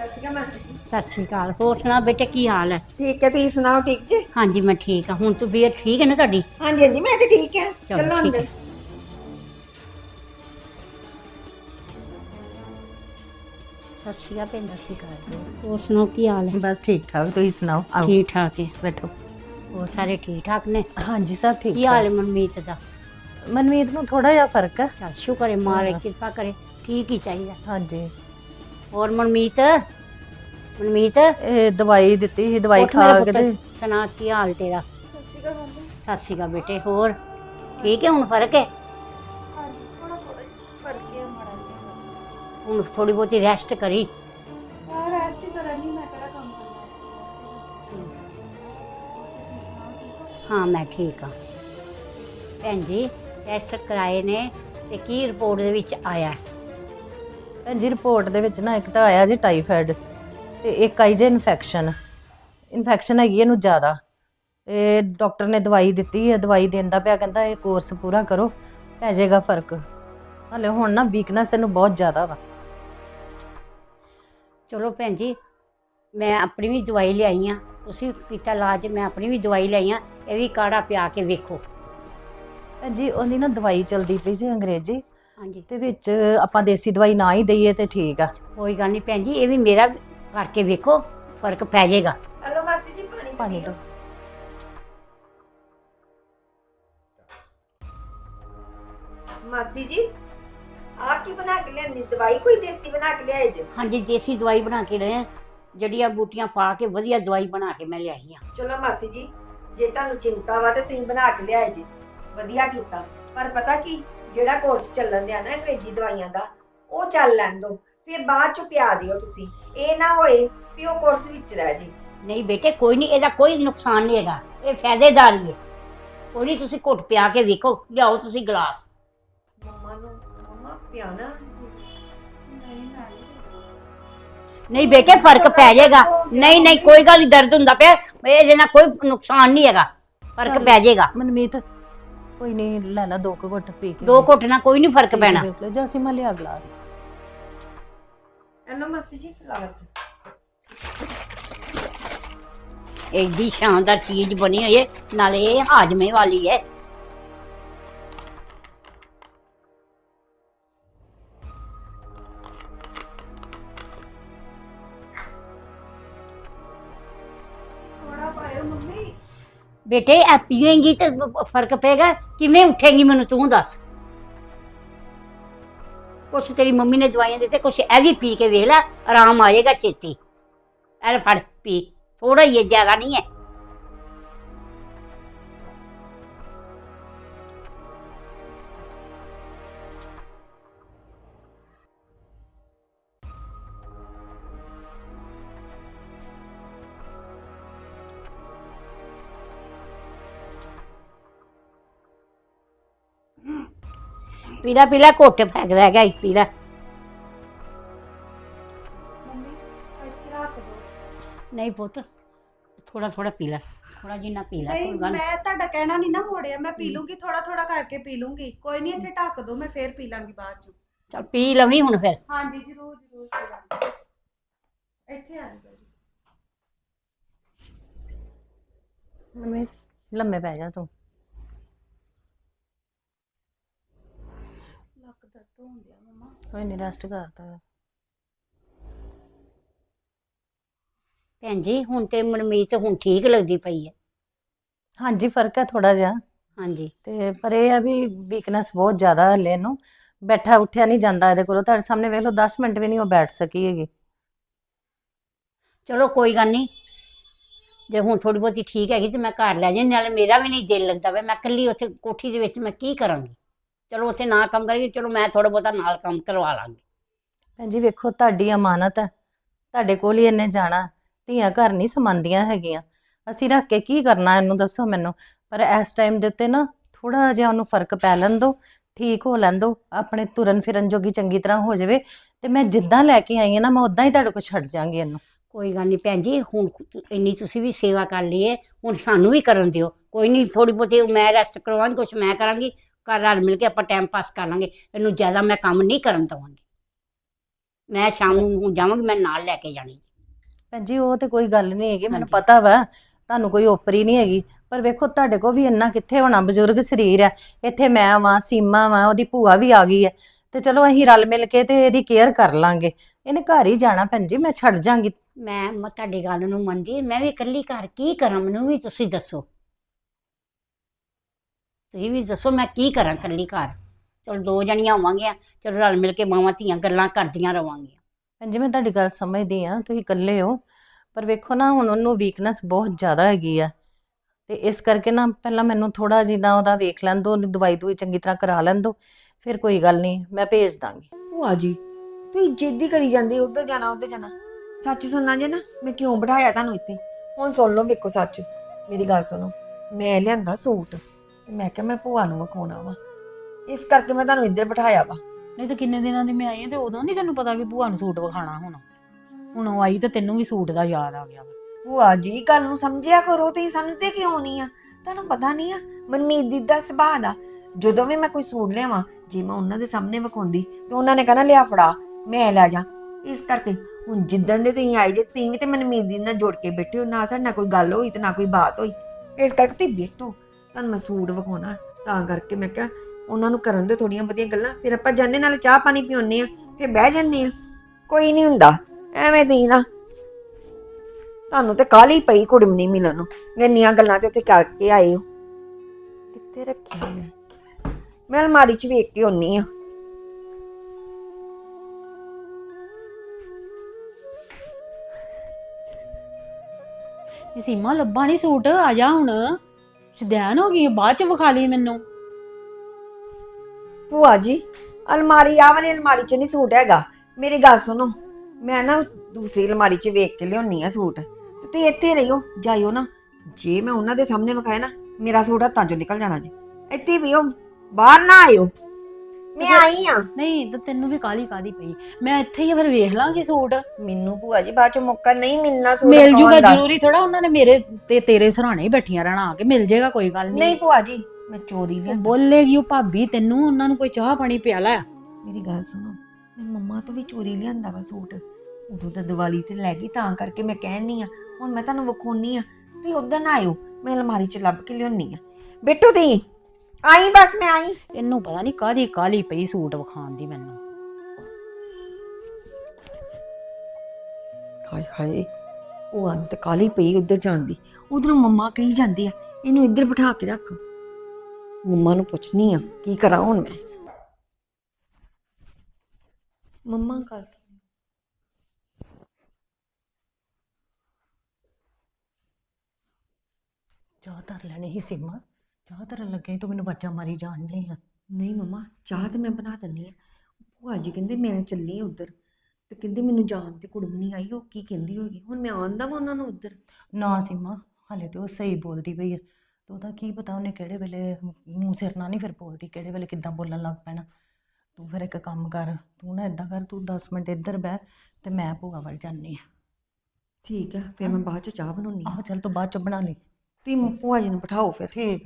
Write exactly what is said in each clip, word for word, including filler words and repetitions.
ਸਤਿ ਸ਼੍ਰੀ ਅਕਾਲ ਮਾਸੀ ਜੀ। सत श्री अकाल। होर सुना बेटे की हाल है? ठीक है, तुम सुनाओ ठीक जी? हाँ जी मैं ठीक हाँ। हुण तबीयत ठीक है ना तुहाडी? हाँ जी हाँ जी, मैं तो ठीक है। चलो चलो ठीक अंदर। है। सत श्री अकाल भैन जी। होर सुनाओ की हाल है? बस ठीक ठाक, तुम सुनाओ? आओ ठीक ठाक है। बैठो। होर सारे ठीक ठाक ने? हाँ जी सब ठीक की हाल है मनमीत दा? मनमीत नूं थोड़ा जिहा फर्क है। चल शुक्र है, मारे हाँ। कृपा करे, ठीक ही चाहिए। हाँ जी होर मनमीत मनमीत ਇਹ ਦਵਾਈ ਦਿੱਤੀ ਸੀ, ਦਵਾਈ ਉੱਠ ਮੇਰਾ ਖਾ ਕੇ ਪੁੱਤਰ, ਤੇ ਸੁਣਾ ਕੀ ਹਾਲ तेरा? सत श्री अकाल मम्मी। सत श्री अकाल बेटे। होर ठीक है, हुण फर्क है? हाँ जी, थोड़ा थोड़ा फर्क है हमारा जी। हुण थोड़ी बहुती रेस्ट करी। हाँ, रेस्ट ही करनी, मैं केड़ा काम करना। हाँ मैं ठीक हाँ। भैन जी टैसट कराए ने ते की रिपोर्ट दे विच आया? ਭੈਣ ਜੀ ਰਿਪੋਰਟ ਦੇ ਵਿੱਚ ਨਾ ਇੱਕ ਤਾਂ ਆਇਆ ਜੀ ਟਾਈਫਾਇਡ ਤੇ ਇੱਕ ਆਈ ਜੇ ਇਨਫੈਕਸ਼ਨ ਇਨਫੈਕਸ਼ਨ ਹੈਗੀ ਇਹਨੂੰ ਜ਼ਿਆਦਾ ਤੇ ਡਾਕਟਰ ਨੇ ਦਵਾਈ ਦਿੱਤੀ ਹੈ, ਦਵਾਈ ਦਿੰਦਾ ਪਿਆ, ਕਹਿੰਦਾ ਇਹ ਕੋਰਸ ਪੂਰਾ ਕਰੋ ਪੈ ਜਾਏਗਾ ਫਰਕ। ਹਲੇ ਹੁਣ ਨਾ ਵੀਕਨੈਸ ਇਹਨੂੰ ਬਹੁਤ ਜ਼ਿਆਦਾ ਵਾ। चलो भैन जी मैं अपनी भी दवाई लियाई हाँ, तुसी पीता इलाज, मैं अपनी भी दवाई लियाई हाँ। ये भी काढ़ा पिया के वेखो। ਭੈਣ ਜੀ ਉਹਦੀ ਨਾ ਦਵਾਈ ਚਲਦੀ ਪਈ ਸੀ ਅੰਗਰੇਜ਼ੀ हाँ जी ਤੇ ਵਿੱਚ ਆਪਾਂ ਦੇਸੀ ਦਵਾਈ ਨਾ ਹੀ ਦਈਏ ਤੇ ਠੀਕ ਆ। कोई गल नहीं भैन जी, ये भी मेरा करके वेखो, फर्क पै जाएगा। हेलो मासी जी, पानी पानी दो। दो। मासी जी आप की बना के लिया दवाई, कोई देसी बना के लिया जो? हाँ जी देसी दवाई बना के ले, जड़ियां बूटियां पा के वधिया दवाई बना के मैं लियाई हाँ। चलो मासी जी, जे तुहानू चिंता वा ते तुसीं बना के लिया जी, वधिया कीता। पर पता की ਜਿਹੜਾ ਕੋਰਸ ਚੱਲਣ ਦਿਆ ਨਾ ਅੰਗਰੇਜ਼ੀ ਦਵਾਈਆਂ ਦਾ, ਉਹ ਚੱਲ ਲੈਣ ਦੋ, ਫਿਰ ਬਾਅਦ ਚ ਪਿਆ ਦਿਓ ਤੁਸੀਂ। ਇਹ ਨਾ ਹੋਏ ਵੀ ਉਹ ਕੋਰਸ ਵਿੱਚ ਰਹਿ ਜੇ। नहीं बेटे कोई नहीं, ਇਹਦਾ ਕੋਈ ਨੁਕਸਾਨ ਨਹੀਂ ਹੈਗਾ, ਇਹ ਫਾਇਦੇਦਾਰ ਹੀ ਹੈ। ਕੋਈ ਨਹੀਂ, ਤੁਸੀਂ ਘੁੱਟ ਪਿਆ ਕੇ ਵੇਖੋ, ਲਿਆਓ ਤੁਸੀਂ ਗਲਾਸ। ਮੰਮਾ ਨੂੰ ਮੰਮਾ ਪਿਆਣਾ ਨਹੀਂ ਨਾ। नहीं बेटे फर्क पै जाएगा। नहीं नहीं कोई गल नहीं, दर्द हुंदा पिया, ਇਹਦੇ ਨਾਲ ਕੋਈ ਨੁਕਸਾਨ ਨਹੀਂ ਹੈਗਾ, फर्क ਚੱਲ। पै जाएगा। ਮਨਮੀਤ ਕੋਈ ਨਹੀਂ ਲੈ ਲਾ ਦੋ ਕੁ ਘੁੱਟ ਪੀ ਕੇ दो घुट ना कोई नहीं फर्क पैना। ਵੇਖ ਲਓ ਜਾਂ ਅਸੀਂ ਮੈਂ ਲਿਆ ਗਲਾਸ। हेलो मासी जी, ग्लास। एडी शानदार चीज बनी हुई है, नाले ये हाजमे वाली है। थोड़ा पायो मम्मी। बेटे ए पीएंगी तो फर्क पेगा, किवें उठेगी मैनू तू दस। कुछ तेरी मम्मी ने दवाइयां दी, कुछ ए भी पी के वेख ला, आराम आएगा छेती। ए फड़ पी, थोड़ा ही है, ज्यादा नहीं है। पीला पीला घुट फेंक रह गया, एक पीला। मम्मी इधर रख दो। नहीं पुत, थोड़ा थोड़ा पीला, थोड़ा जिन्ना पीला। ਨਹੀਂ कोई गल ਮੈਂ ਤੁਹਾਡਾ ਕਹਿਣਾ ਨਹੀਂ ਨਾ ਮੋੜਿਆ, ਮੈਂ ਪੀ ਲੂੰਗੀ, ਥੋੜਾ ਥੋੜਾ ਕਰਕੇ ਪੀ ਲੂੰਗੀ। ਕੋਈ ਨਹੀਂ, ਇੱਥੇ ਢੱਕ ਦੋ, ਮੈਂ ਫੇਰ ਪੀ ਲਾਂਗੀ ਬਾਅਦ ਚ। चल पी लवी हुण फिर। ਹਾਂਜੀ ਜ਼ਰੂਰ ਜ਼ਰੂਰ ਪੀ ਲਾਂਗੀ। ਇੱਥੇ ਆ ਜਾਓ ਜੀ। ਮਨਮੀਤ ਲੰਮੇ ਪੈ ਜਾ ਤੂੰ। ਲੱਕ ਦਰਦ ਹੋਣ ਡਿਆ ਮਮਾ। ਕੋਈ ਨਹੀਂ ਰੈਸਟ ਕਰਦਾ। भैन जी हुण ते मनमीत हुण ठीक लगदी पई है। ਹਾਂਜੀ ਫਰਕ ਹੈ ਥੋੜਾ ਜਿਹਾ हाँ जी ਤੇ ਪਰ ਇਹ ਆ ਵੀ ਵੀਕਨੈਸ ਬਹੁਤ ਜ਼ਿਆਦਾ ਹੈ ਹਲੇ ਨੂੰ। ਬੈਠਾ ਉੱਠਿਆ ਨਹੀਂ ਜਾਂਦਾ ਇਹਦੇ ਕੋਲੋਂ। ਤੁਹਾਡੇ ਸਾਹਮਣੇ ਵੇਖ ਲਓ ਦਸ ਮਿੰਟ ਵੀ ਨਹੀਂ ਉਹ ਬੈਠ ਸਕੀ ਹੈਗੀ। चलो कोई गल नहीं, जे हुण थोड़ी बहुती ठीक हैगी तो मैं घर लै जानी, नाले मेरा भी नहीं दिल लगदा वे, मैं कल्ली उत्थे कोठी दे विच मैं की करांगी। चलो उत्थे ना काम करेगी, चलो मैं थोड़ा बहुता नाल काम करवा लांगी। ਭੈਣ ਜੀ ਵੇਖੋ ਤੁਹਾਡੀ ਅਮਾਨਤ ਹੈ, ਤੁਹਾਡੇ ਕੋਲ ਹੀ ਇਹਨੇ ਜਾਣਾ। ਧੀਆਂ ਘਰ ਨਹੀਂ ਸਮਾਉਂਦੀਆਂ ਹੈਗੀਆਂ। ਅਸੀਂ ਰੱਖ ਕੇ ਕੀ ਕਰਨਾ ਇਹਨੂੰ ਦੱਸੋ ਮੈਨੂੰ। ਪਰ ਇਸ ਟਾਈਮ ਦੇ ਉੱਤੇ ਨਾ ਥੋੜਾ ਜਿਹਾ ਉਹਨੂੰ ਫਰਕ ਪੈ ਲੈਣ ਦਿਓ, ਠੀਕ ਹੋ ਲੈਣ ਦਿਓ, ਆਪਣੇ ਤੁਰਨ ਫਿਰਨ ਜੋਗੀ ਚੰਗੀ ਤਰ੍ਹਾਂ ਹੋ ਜਾਵੇ ਤੇ ਮੈਂ ਜਿੱਦਾਂ ਲੈ ਕੇ ਆਈ ਹਾਂ ਨਾ ਮੈਂ ਉਦਾਂ ਹੀ ਤੁਹਾਡੇ ਕੋਲ ਛੱਡ ਜਾਵਾਂਗੀ ਇਹਨੂੰ। कोई गल नहीं भैन जी, हुण इन्नी तुसी भी सेवा कर ली है, हुण सानू भी करन दिओ। कोई नहीं, थोड़ी बहुती मैं रेस्ट करवांगी, कुछ मैं करांगी, घर रल मिल के आपां टाइम पास कर लांगे। इन्नू ज्यादा मैं काम नहीं करन दवांगी। ਮੈਂ ਸ਼ਾਮ ਨੂੰ ਹੁਣ ਜਾਵਾਂਗੀ, ਮੈਂ ਨਾਲ ਲੈ ਕੇ ਜਾਣੀ। ਭੈਣ ਜੀ ਉਹ ਤੇ ਕੋਈ ਗੱਲ ਨਹੀਂ ਹੈਗੀ, ਮੈਨੂੰ ਹਾਂਜੀ। ਪਤਾ ਵਾ ਤੁਹਾਨੂੰ ਕੋਈ ਓਪਰੀ ਨਹੀਂ ਹੈਗੀ, ਪਰ ਵੇਖੋ ਤੁਹਾਡੇ ਕੋਲ ਵੀ ਇੰਨਾ ਕਿੱਥੇ ਹੋਣਾ, ਬਜ਼ੁਰਗ ਸਰੀਰ ਆ। ਇੱਥੇ ਮੈਂ ਵਾਂ, ਸੀਮਾ ਵਾਂ, ਉਹਦੀ ਭੂਆ ਵੀ ਆ ਗਈ ਹੈ, ਤੇ ਚਲੋ ਅਸੀਂ ਰਲ ਮਿਲ ਕੇ ਤੇ ਇਹਦੀ ਕੇਅਰ ਕਰ ਲਾਂਗੇ। ਇਹਨੇ ਘਰ ਹੀ ਜਾਣਾ ਭੈਣ ਜੀ, ਮੈਂ ਛੱਡ ਜਾਾਂਗੀ। ਮੈਂ ਮੈਂ ਤੁਹਾਡੀ ਗੱਲ ਨੂੰ ਮੰਨਦੀ, ਮੈਂ ਵੀ ਇਕੱਲੀ ਘਰ ਕੀ ਕਰਾਂ, ਮੈਨੂੰ ਵੀ ਤੁਸੀਂ ਦੱਸੋ। ਤੁਸੀਂ ਵੀ ਦੱਸੋ ਮੈਂ ਕੀ ਕਰਾਂ ਇਕੱਲੀ ਘਰ। ਚਲੋ ਦੋ ਜਣੀਆਂ ਹੋਵਾਂਗੀਆਂ, ਚਲੋ ਰਲ ਮਿਲ ਕੇ ਮਾਵਾਂ ਧੀਆਂ ਗੱਲਾਂ ਕਰਦੀਆਂ ਰਵਾਂਗੀਆਂ। ਭੈਣ ਜੀ ਮੈਂ ਤੁਹਾਡੀ ਗੱਲ ਸਮਝਦੀ ਆ, ਤੁਸੀਂ ਇਕੱਲੇ ਹੋ, ਪਰ ਵੇਖੋ ਨਾ ਹੁਣ ਉਹਨੂੰ ਵੀਕਨੈਸ ਬਹੁਤ ਜ਼ਿਆਦਾ ਹੈਗੀ ਆ, ਤੇ ਇਸ ਕਰਕੇ ਨਾ ਪਹਿਲਾਂ ਮੈਨੂੰ ਥੋੜਾ ਜਿਹਾ ਉਹਦਾ ਵੇਖ ਲੈਣ ਦਿਓ, ਉਹਦੀ ਦਵਾਈ ਦੂਈ ਚੰਗੀ ਤਰ੍ਹਾਂ ਕਰਾ ਲੈਣ ਦਿਓ, ਫਿਰ ਕੋਈ ਗੱਲ ਨਹੀਂ, ਮੈਂ ਭੇਜ ਦਾਂਗੀ। ਭੂਆ ਜੀ ਤੁਸੀਂ ਜਿੱਦ ਹੀ ਕਰੀ ਜਾਂਦੇ, ਉੱਧਰ ਜਾਣਾ ਉੱਧਰ ਜਾਣਾ। ਸੱਚ ਸੁਣਨਾ ਜੇ ਨਾ, ਮੈਂ ਕਿਉਂ ਬਿਠਾਇਆ ਤੁਹਾਨੂੰ ਇੱਥੇ, ਹੁਣ ਸੁਣ ਲਓ ਵੇਖੋ ਸੱਚ। ਮੇਰੀ ਗੱਲ ਸੁਣੋ, ਮੈਂ ਲਿਆਂਦਾ ਸੂਟ ਤੇ ਮੈਂ ਕਿਹਾ ਮੈਂ ਭੂਆ ਨੂੰ ਵਿਖਾਉਣਾ ਵਾ, ਇਸ ਕਰਕੇ ਮੈਂ ਤੁਹਾਨੂੰ ਇੱਧਰ ਬਿਠਾਇਆ ਵਾ। ਨਹੀਂ ਤਾਂ ਕਿੰਨੇ ਦਿਨਾਂ ਦੀ ਮੈਂ ਆਈ ਹਾਂ ਤੇ ਉਦੋਂ ਨਹੀਂ ਤੈਨੂੰ ਪਤਾ ਵੀ ਭੂਆ ਨੂੰ ਸੂਟ ਵਿਖਾਣਾ ਹੁਣ ਹੁਣ ਉਹ ਆਈ ਤੇ ਤੈਨੂੰ ਵੀ ਸੂਟ ਦਾ ਯਾਦ ਆ ਗਿਆ ਵਾ। ਭੂਆ ਜੀ ਗੱਲ ਨੂੰ ਸਮਝਿਆ ਕਰੋ, ਤੁਸੀਂ ਸਮਝਦੇ ਕਿਉਂ ਨਹੀਂ ਆ? ਤੁਹਾਨੂੰ ਪਤਾ ਨਹੀਂ ਆ ਮਨਮੀਤ ਦੀ ਦਾ ਸੁਭਾਅ ਦਾ, ਜਦੋਂ ਵੀ ਮੈਂ ਕੋਈ ਸੂਟ ਲਿਆਵਾਂ, ਜੇ ਮੈਂ ਉਹਨਾਂ ਦੇ ਸਾਹਮਣੇ ਵਿਖਾਉਂਦੀ ਤੇ ਉਹਨਾਂ ਨੇ ਕਹਿਣਾ ਲਿਆ ਫੜਾ ਮੈਂ ਲੈ ਜਾ। ਇਸ ਕਰਕੇ ਹੁਣ ਜਿੱਦਣ ਦੇ ਤੁਸੀਂ ਆਏ ਜੇ, ਤੁਸੀਂ ਵੀ ਤੇ ਮਨਮੀਤ ਦੀ ਨਾਲ ਜੋੜ ਕੇ ਬੈਠੇ ਹੋ, ਨਾ ਸਾਡੇ ਨਾਲ ਕੋਈ ਗੱਲ ਹੋਈ ਤੇ ਨਾ ਕੋਈ ਬਾਤ ਹੋਈ। ਇਸ ਕਰਕੇ ਤੁਸੀਂ ਬੈਠੋ, ਤੁਹਾਨੂੰ ਮੈਂ ਸੂਟ ਵਿਖਾਉਣਾ, ਤਾਂ ਕਰਕੇ ਮੈਂ ਕਿਹਾ ਉਹਨਾਂ ਨੂੰ ਕਰਨ ਦੇ ਥੋੜੀਆਂ ਵਧੀਆ ਗੱਲਾਂ, ਫਿਰ ਆਪਾਂ ਜਾਂਦੇ ਨਾਲ ਚਾਹ ਪਾਣੀ ਪਿਉਣੇ ਆ, ਫਿਰ ਬਹਿ ਜਾਂਦੇ ਆ। ਕੋਈ ਨਹੀਂ ਹੁੰਦਾ ਐਵੇਂ ਤੁਸੀਂ ਨਾ, ਤੁਹਾਨੂੰ ਤੇ ਕਾਹਲੀ ਪਈ ਕੁੜਮਣੀ ਮਿਲਣ ਨੂੰ, ਇੰਨੀਆਂ ਗੱਲਾਂ ਤੇ ਉੱਥੇ ਕਰਕੇ ਆਏ ਹੋ। ਕਿੱਥੇ ਰੱਖਿਆ ਮੈਂ ਮੈਂ ਅਲਮਾਰੀ 'ਚ ਵੇਖ ਕੇ ਆਉਣੀ ਆ। ਇਹ ਸੀਮਾ ਲੱਭਾ ਨਹੀਂ ਸੂਟ, ਆ ਜਾ ਹੁਣ, ਸ਼ਦੈਨ ਹੋ ਗਈ, ਬਾਅਦ ਚ ਵਿਖਾ ਲਈ ਮੈਨੂੰ। ਭੂਆ ਜੀ ਅਲਮਾਰੀ ਆ ਵਾਲੀ ਅਲਮਾਰੀ 'ਚ ਨਹੀਂ ਸੂਟ ਹੈਗਾ, ਮੇਰੀ ਗੱਲ ਸੁਣੋ, ਮੈਂ ਨਾ ਦੂਸਰੀ ਅਲਮਾਰੀ 'ਚ ਵੇਖ ਕੇ ਲਿਆਉਣੀ ਆ ਸੂਟ, ਤੇ ਤੁਸੀਂ ਇੱਥੇ ਰਹੀਓ, ਜਾਇਓ ਨਾ। ਜੇ ਮੈਂ ਉਹਨਾਂ ਦੇ ਸਾਹਮਣੇ ਵਿਖਾਇਆ ਨਾ, ਮੇਰਾ ਸੂਟ ਹੱਥਾਂ 'ਚੋਂ ਨਿਕਲ ਜਾਣਾ ਜੀ। ਇੱਥੇ ਵੀ ਹੋ, ਬਾਹਰ ਨਾ ਆਇਓ, ਮੈਂ ਆਈ ਆ। ਨਹੀਂ ਤਾਂ ਤੈਨੂੰ ਵੀ ਕਾਲੀ ਕਾਦੀ ਪਈ, ਮੈਂ ਇੱਥੇ ਹੀ ਫਿਰ ਵੇਖ ਲਾਂਗੀ ਸੂਟ, ਮੈਨੂੰ ਭੂਆ ਜੀ ਬਾਅਦ 'ਚ ਮੌਕਾ ਨਹੀਂ ਮਿਲਣਾ ਸੂਟ ਮਿਲ ਜੂਗਾ। ਵਿਖਾਉਣ ਦਾ। ਜ਼ਰੂਰੀ ਥੋੜਾ ਉਹਨਾਂ ਨੇ ਮੇਰੇ ਤੇ ਤੇਰੇ ਸਰਾਣੇ ਹੀ ਬੈਠੀਆਂ ਰਹਿਣਾ, ਆ ਕੇ ਮਿਲ ਜੇਗਾ, ਕੋਈ ਗੱਲ ਨਹੀਂ ਨਹੀਂ। ਭੂਆ ਜੀ ਮੈਂ ਚੋਰੀ ਉਹ ਲਿਆਂਦਾ। ਬੋਲੇਗੀ ਉਹ ਭਾਬੀ ਤੈਨੂੰ, ਉਹਨਾਂ ਨੂੰ ਕੋਈ ਚਾਹ ਪਾਣੀ ਪਿਆਲਾ। ਮੇਰੀ ਗੱਲ ਸੁਣੋ, ਮੈਂ ਮੰਮਾ ਤੋਂ ਵੀ ਚੋਰੀ ਲਿਆਂਦਾ ਵਾ ਸੂਟ, ਉਦੋਂ ਤਾਂ ਦੀਵਾਲੀ ਤੇ ਲੈ ਗਈ, ਤਾਂ ਕਰਕੇ ਮੈਂ ਕਹਿਣੀ ਆ। ਹੁਣ ਮੈਂ ਤੁਹਾਨੂੰ ਵਿਖਾਉਣੀ ਆ, ਤੁਸੀਂ ਉਧਰ ਨਾ ਆਇਓ, ਮੈਂ ਅਲਮਾਰੀ 'ਚ ਲੱਭ ਕੇ ਲਿਆਉਣੀ ਆ। ਬੈਠੋ ਤੁਸੀਂ, ਆਈ ਬਸ ਮੈਂ ਆਈ। ਇਹਨੂੰ ਪਤਾ ਨਹੀਂ ਕਾਦੀ ਕਾਲੀ ਪਈ ਸੂਟ ਵਿਖਾਉਣ ਦੀ ਮੈਨੂੰ। ਹਾਏ ਹਾਏ, ਉਹ ਆਂ ਤੇ ਕਾਲੀ ਪਈ ਉੱਧਰ ਜਾਂਦੀ, ਉਧਰੋਂ ਮੰਮਾ ਕਹੀ ਜਾਂਦੀ ਆ ਇਹਨੂੰ ਇੱਧਰ ਬਿਠਾ ਕੇ ਰੱਖ। ਮੰਮਾ ਨੂੰ ਪੁੱਛਣੀ ਆ ਕੀ ਕਰਾਂ ਹੁਣ ਮੈਂ। ਮੰਮਾ ਗੱਲ ਸੁਣ, ਚਾਹ ਧਰ ਲੈਣੀ ਸੀ ਸੀਮਾ, ਚਾਹ ਧਰਨ ਲੱਗੇ ਤੂੰ ਮੈਨੂੰ ਵਾਜਾਂ ਮਾਰੀ ਜਾਣ ਡਈ ਆ। ਨਹੀਂ ਮੰਮਾ ਚਾਹ ਤੇ ਮੈਂ ਬਣਾ ਦਿੰਦੀ ਆ। ਭੂਆ ਜੀ ਕਹਿੰਦੇ ਮੈਂ ਚੱਲੀ ਆ ਉੱਧਰ, ਤੇ ਕਹਿੰਦੇ ਮੈਨੂੰ ਜਾਣ ਤੇ ਕੁੜਮ ਨਹੀਂ ਆਈ, ਉਹ ਕੀ ਕਹਿੰਦੀ ਹੋਗੀ, ਹੁਣ ਮੈਂ ਆਉਂਦਾ ਵਾ ਉਹਨਾਂ ਨੂੰ ਉੱਧਰ। ਨਾ ਸੀਮਾ, ਹਾਲੇ ਤੇ ਉਹ ਸਹੀ ਬੋਲਦੀ ਪਈ ਆ, ਤੇ ਉਹਦਾ ਕੀ ਪਤਾ ਉਹਨੇ ਕਿਹੜੇ ਵੇਲੇ ਮੂੰਹ ਸਿਰ ਨਾਲ ਨਹੀਂ ਫਿਰ ਬੋਲਦੀ, ਕਿਹੜੇ ਵੇਲੇ ਕਿੱਦਾਂ ਬੋਲਣ ਲੱਗ ਪੈਣਾ। ਤੂੰ ਫਿਰ ਇੱਕ ਕੰਮ ਕਰ, ਤੂੰ ਨਾ ਇਦਾਂ ਕਰ, ਤੂੰ ਦਸ ਮਿੰਟ ਇੱਧਰ ਬਹਿ ਤੇ ਮੈਂ ਭੂਆ ਵੱਲ ਜਾਂਦੀ ਆ। ਠੀਕ ਆ, ਫਿਰ ਮੈਂ ਬਾਅਦ ਚ ਚਾਹ ਬਣਾਉਣੀ ਆ। ਆਹੋ ਚੱਲ ਤੂੰ ਬਾਅਦ ਚ ਬਣਾ ਲਈ। ਤੇ ਭੂਆ ਜੀ ਨੂੰ ਬਿਠਾਓ ਫਿਰ। ਠੀਕ ਆ।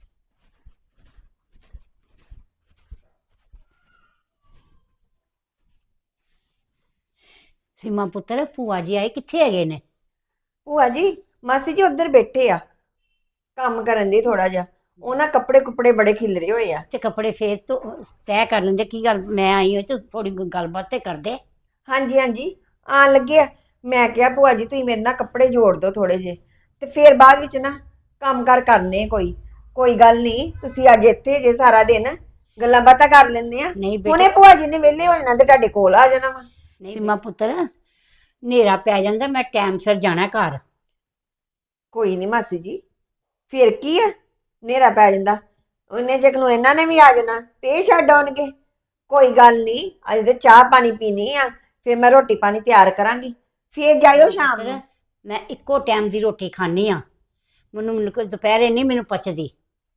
ਸੀਮਾ ਪੁੱਤਰ, ਭੂਆ ਜੀ ਆਏ ਕਿੱਥੇ ਹੈਗੇ ਨੇ? ਭੂਆ ਜੀ ਮਾਸੀ ਜੀ ਉੱਧਰ ਬੈਠੇ ਆ, ਕੰਮ ਕਰਨ ਦੇ ਥੋੜਾ ਜਿਹਾ, ਉਹਨਾਂ ਕੱਪੜੇ ਕੁਪੜੇ ਬੜੇ ਖਿਲਰੇ ਹੋਏ ਆ। ਤੇ ਕੱਪੜੇ ਫੇਰ ਤੋਂ ਤੈਅ ਕਰ ਲੈਂਦੇ, ਕੀ ਗੱਲ ਮੈਂ ਆਈ ਹੋਈ ਤੇ ਥੋੜੀ ਗੱਲਬਾਤ ਤੇ ਕਰਦੇ। ਹਾਂਜੀ ਹਾਂਜੀ ਆਣ ਲੱਗੇ ਆ। ਮੈਂ ਕਿਹਾ ਭੂਆ ਜੀ ਤੁਸੀਂ ਮੇਰੇ ਨਾਲ ਕੱਪੜੇ ਜੋੜ ਦਿਓ ਥੋੜੇ ਜਿਹੇ, ਤੇ ਫਿਰ ਬਾਅਦ ਵਿੱਚ ਨਾ ਕੰਮ ਕਾਰ ਕਰਨੇ ਕੋਈ ਕੋਈ ਗੱਲ ਨਹੀਂ। ਤੁਸੀਂ ਅੱਜ ਇੱਥੇ ਜੇ ਸਾਰਾ ਦਿਨ ਗੱਲਾਂ ਬਾਤਾਂ ਕਰ ਲੈਂਦੇ ਆ, ਨਹੀਂ ਹੁਣੇ ਬੇਟਾ, ਭੂਆ ਜੀ ਨੇ ਵਿਹਲੇ ਹੋ ਜਾਣਾ ਤੇ ਤੁਹਾਡੇ ਕੋਲ ਆ ਜਾਣਾ ਵਾ। ਸੀਮਾ ਪੁੱਤਰ, ਹਨੇਰਾ ਪੈ ਜਾਂਦਾ, ਮੈਂ ਟਾਈਮ ਸਿਰ ਜਾਣਾ ਘਰ। ਕੋਈ ਨਹੀਂ ਮਾਸੀ ਜੀ, ਫਿਰ ਕੀ ਆ, ਹਨੇਰਾ ਪੈ ਜਾਂਦਾ, ਉਹਨੇ ਜੇ ਨੂੰ ਇਹਨਾਂ ਨੇ ਵੀ ਆ ਜਾਣਾ ਤੇ ਇਹ ਛੱਡ ਆਉਣਗੇ। ਕੋਈ ਗੱਲ ਨਹੀਂ, ਅੱਜ ਤੇ ਚਾਹ ਪਾਣੀ ਪੀਣੀ ਆ, ਫਿਰ ਮੈਂ ਰੋਟੀ ਪਾਣੀ ਤਿਆਰ ਕਰਾਂਗੀ, ਫਿਰ ਜਾਇਓ ਸ਼ਾਮ ਪੁੱਤਰ, ਨੂੰ। ਮੈਂ ਇੱਕੋ ਟਾਈਮ ਦੀ ਰੋਟੀ ਖਾਣੀ ਆ, ਮੈਨੂੰ ਮੈਨੂੰ ਕੋਈ ਦੁਪਹਿਰੇ ਨਹੀਂ ਮੈਨੂੰ ਪਚਦੀ।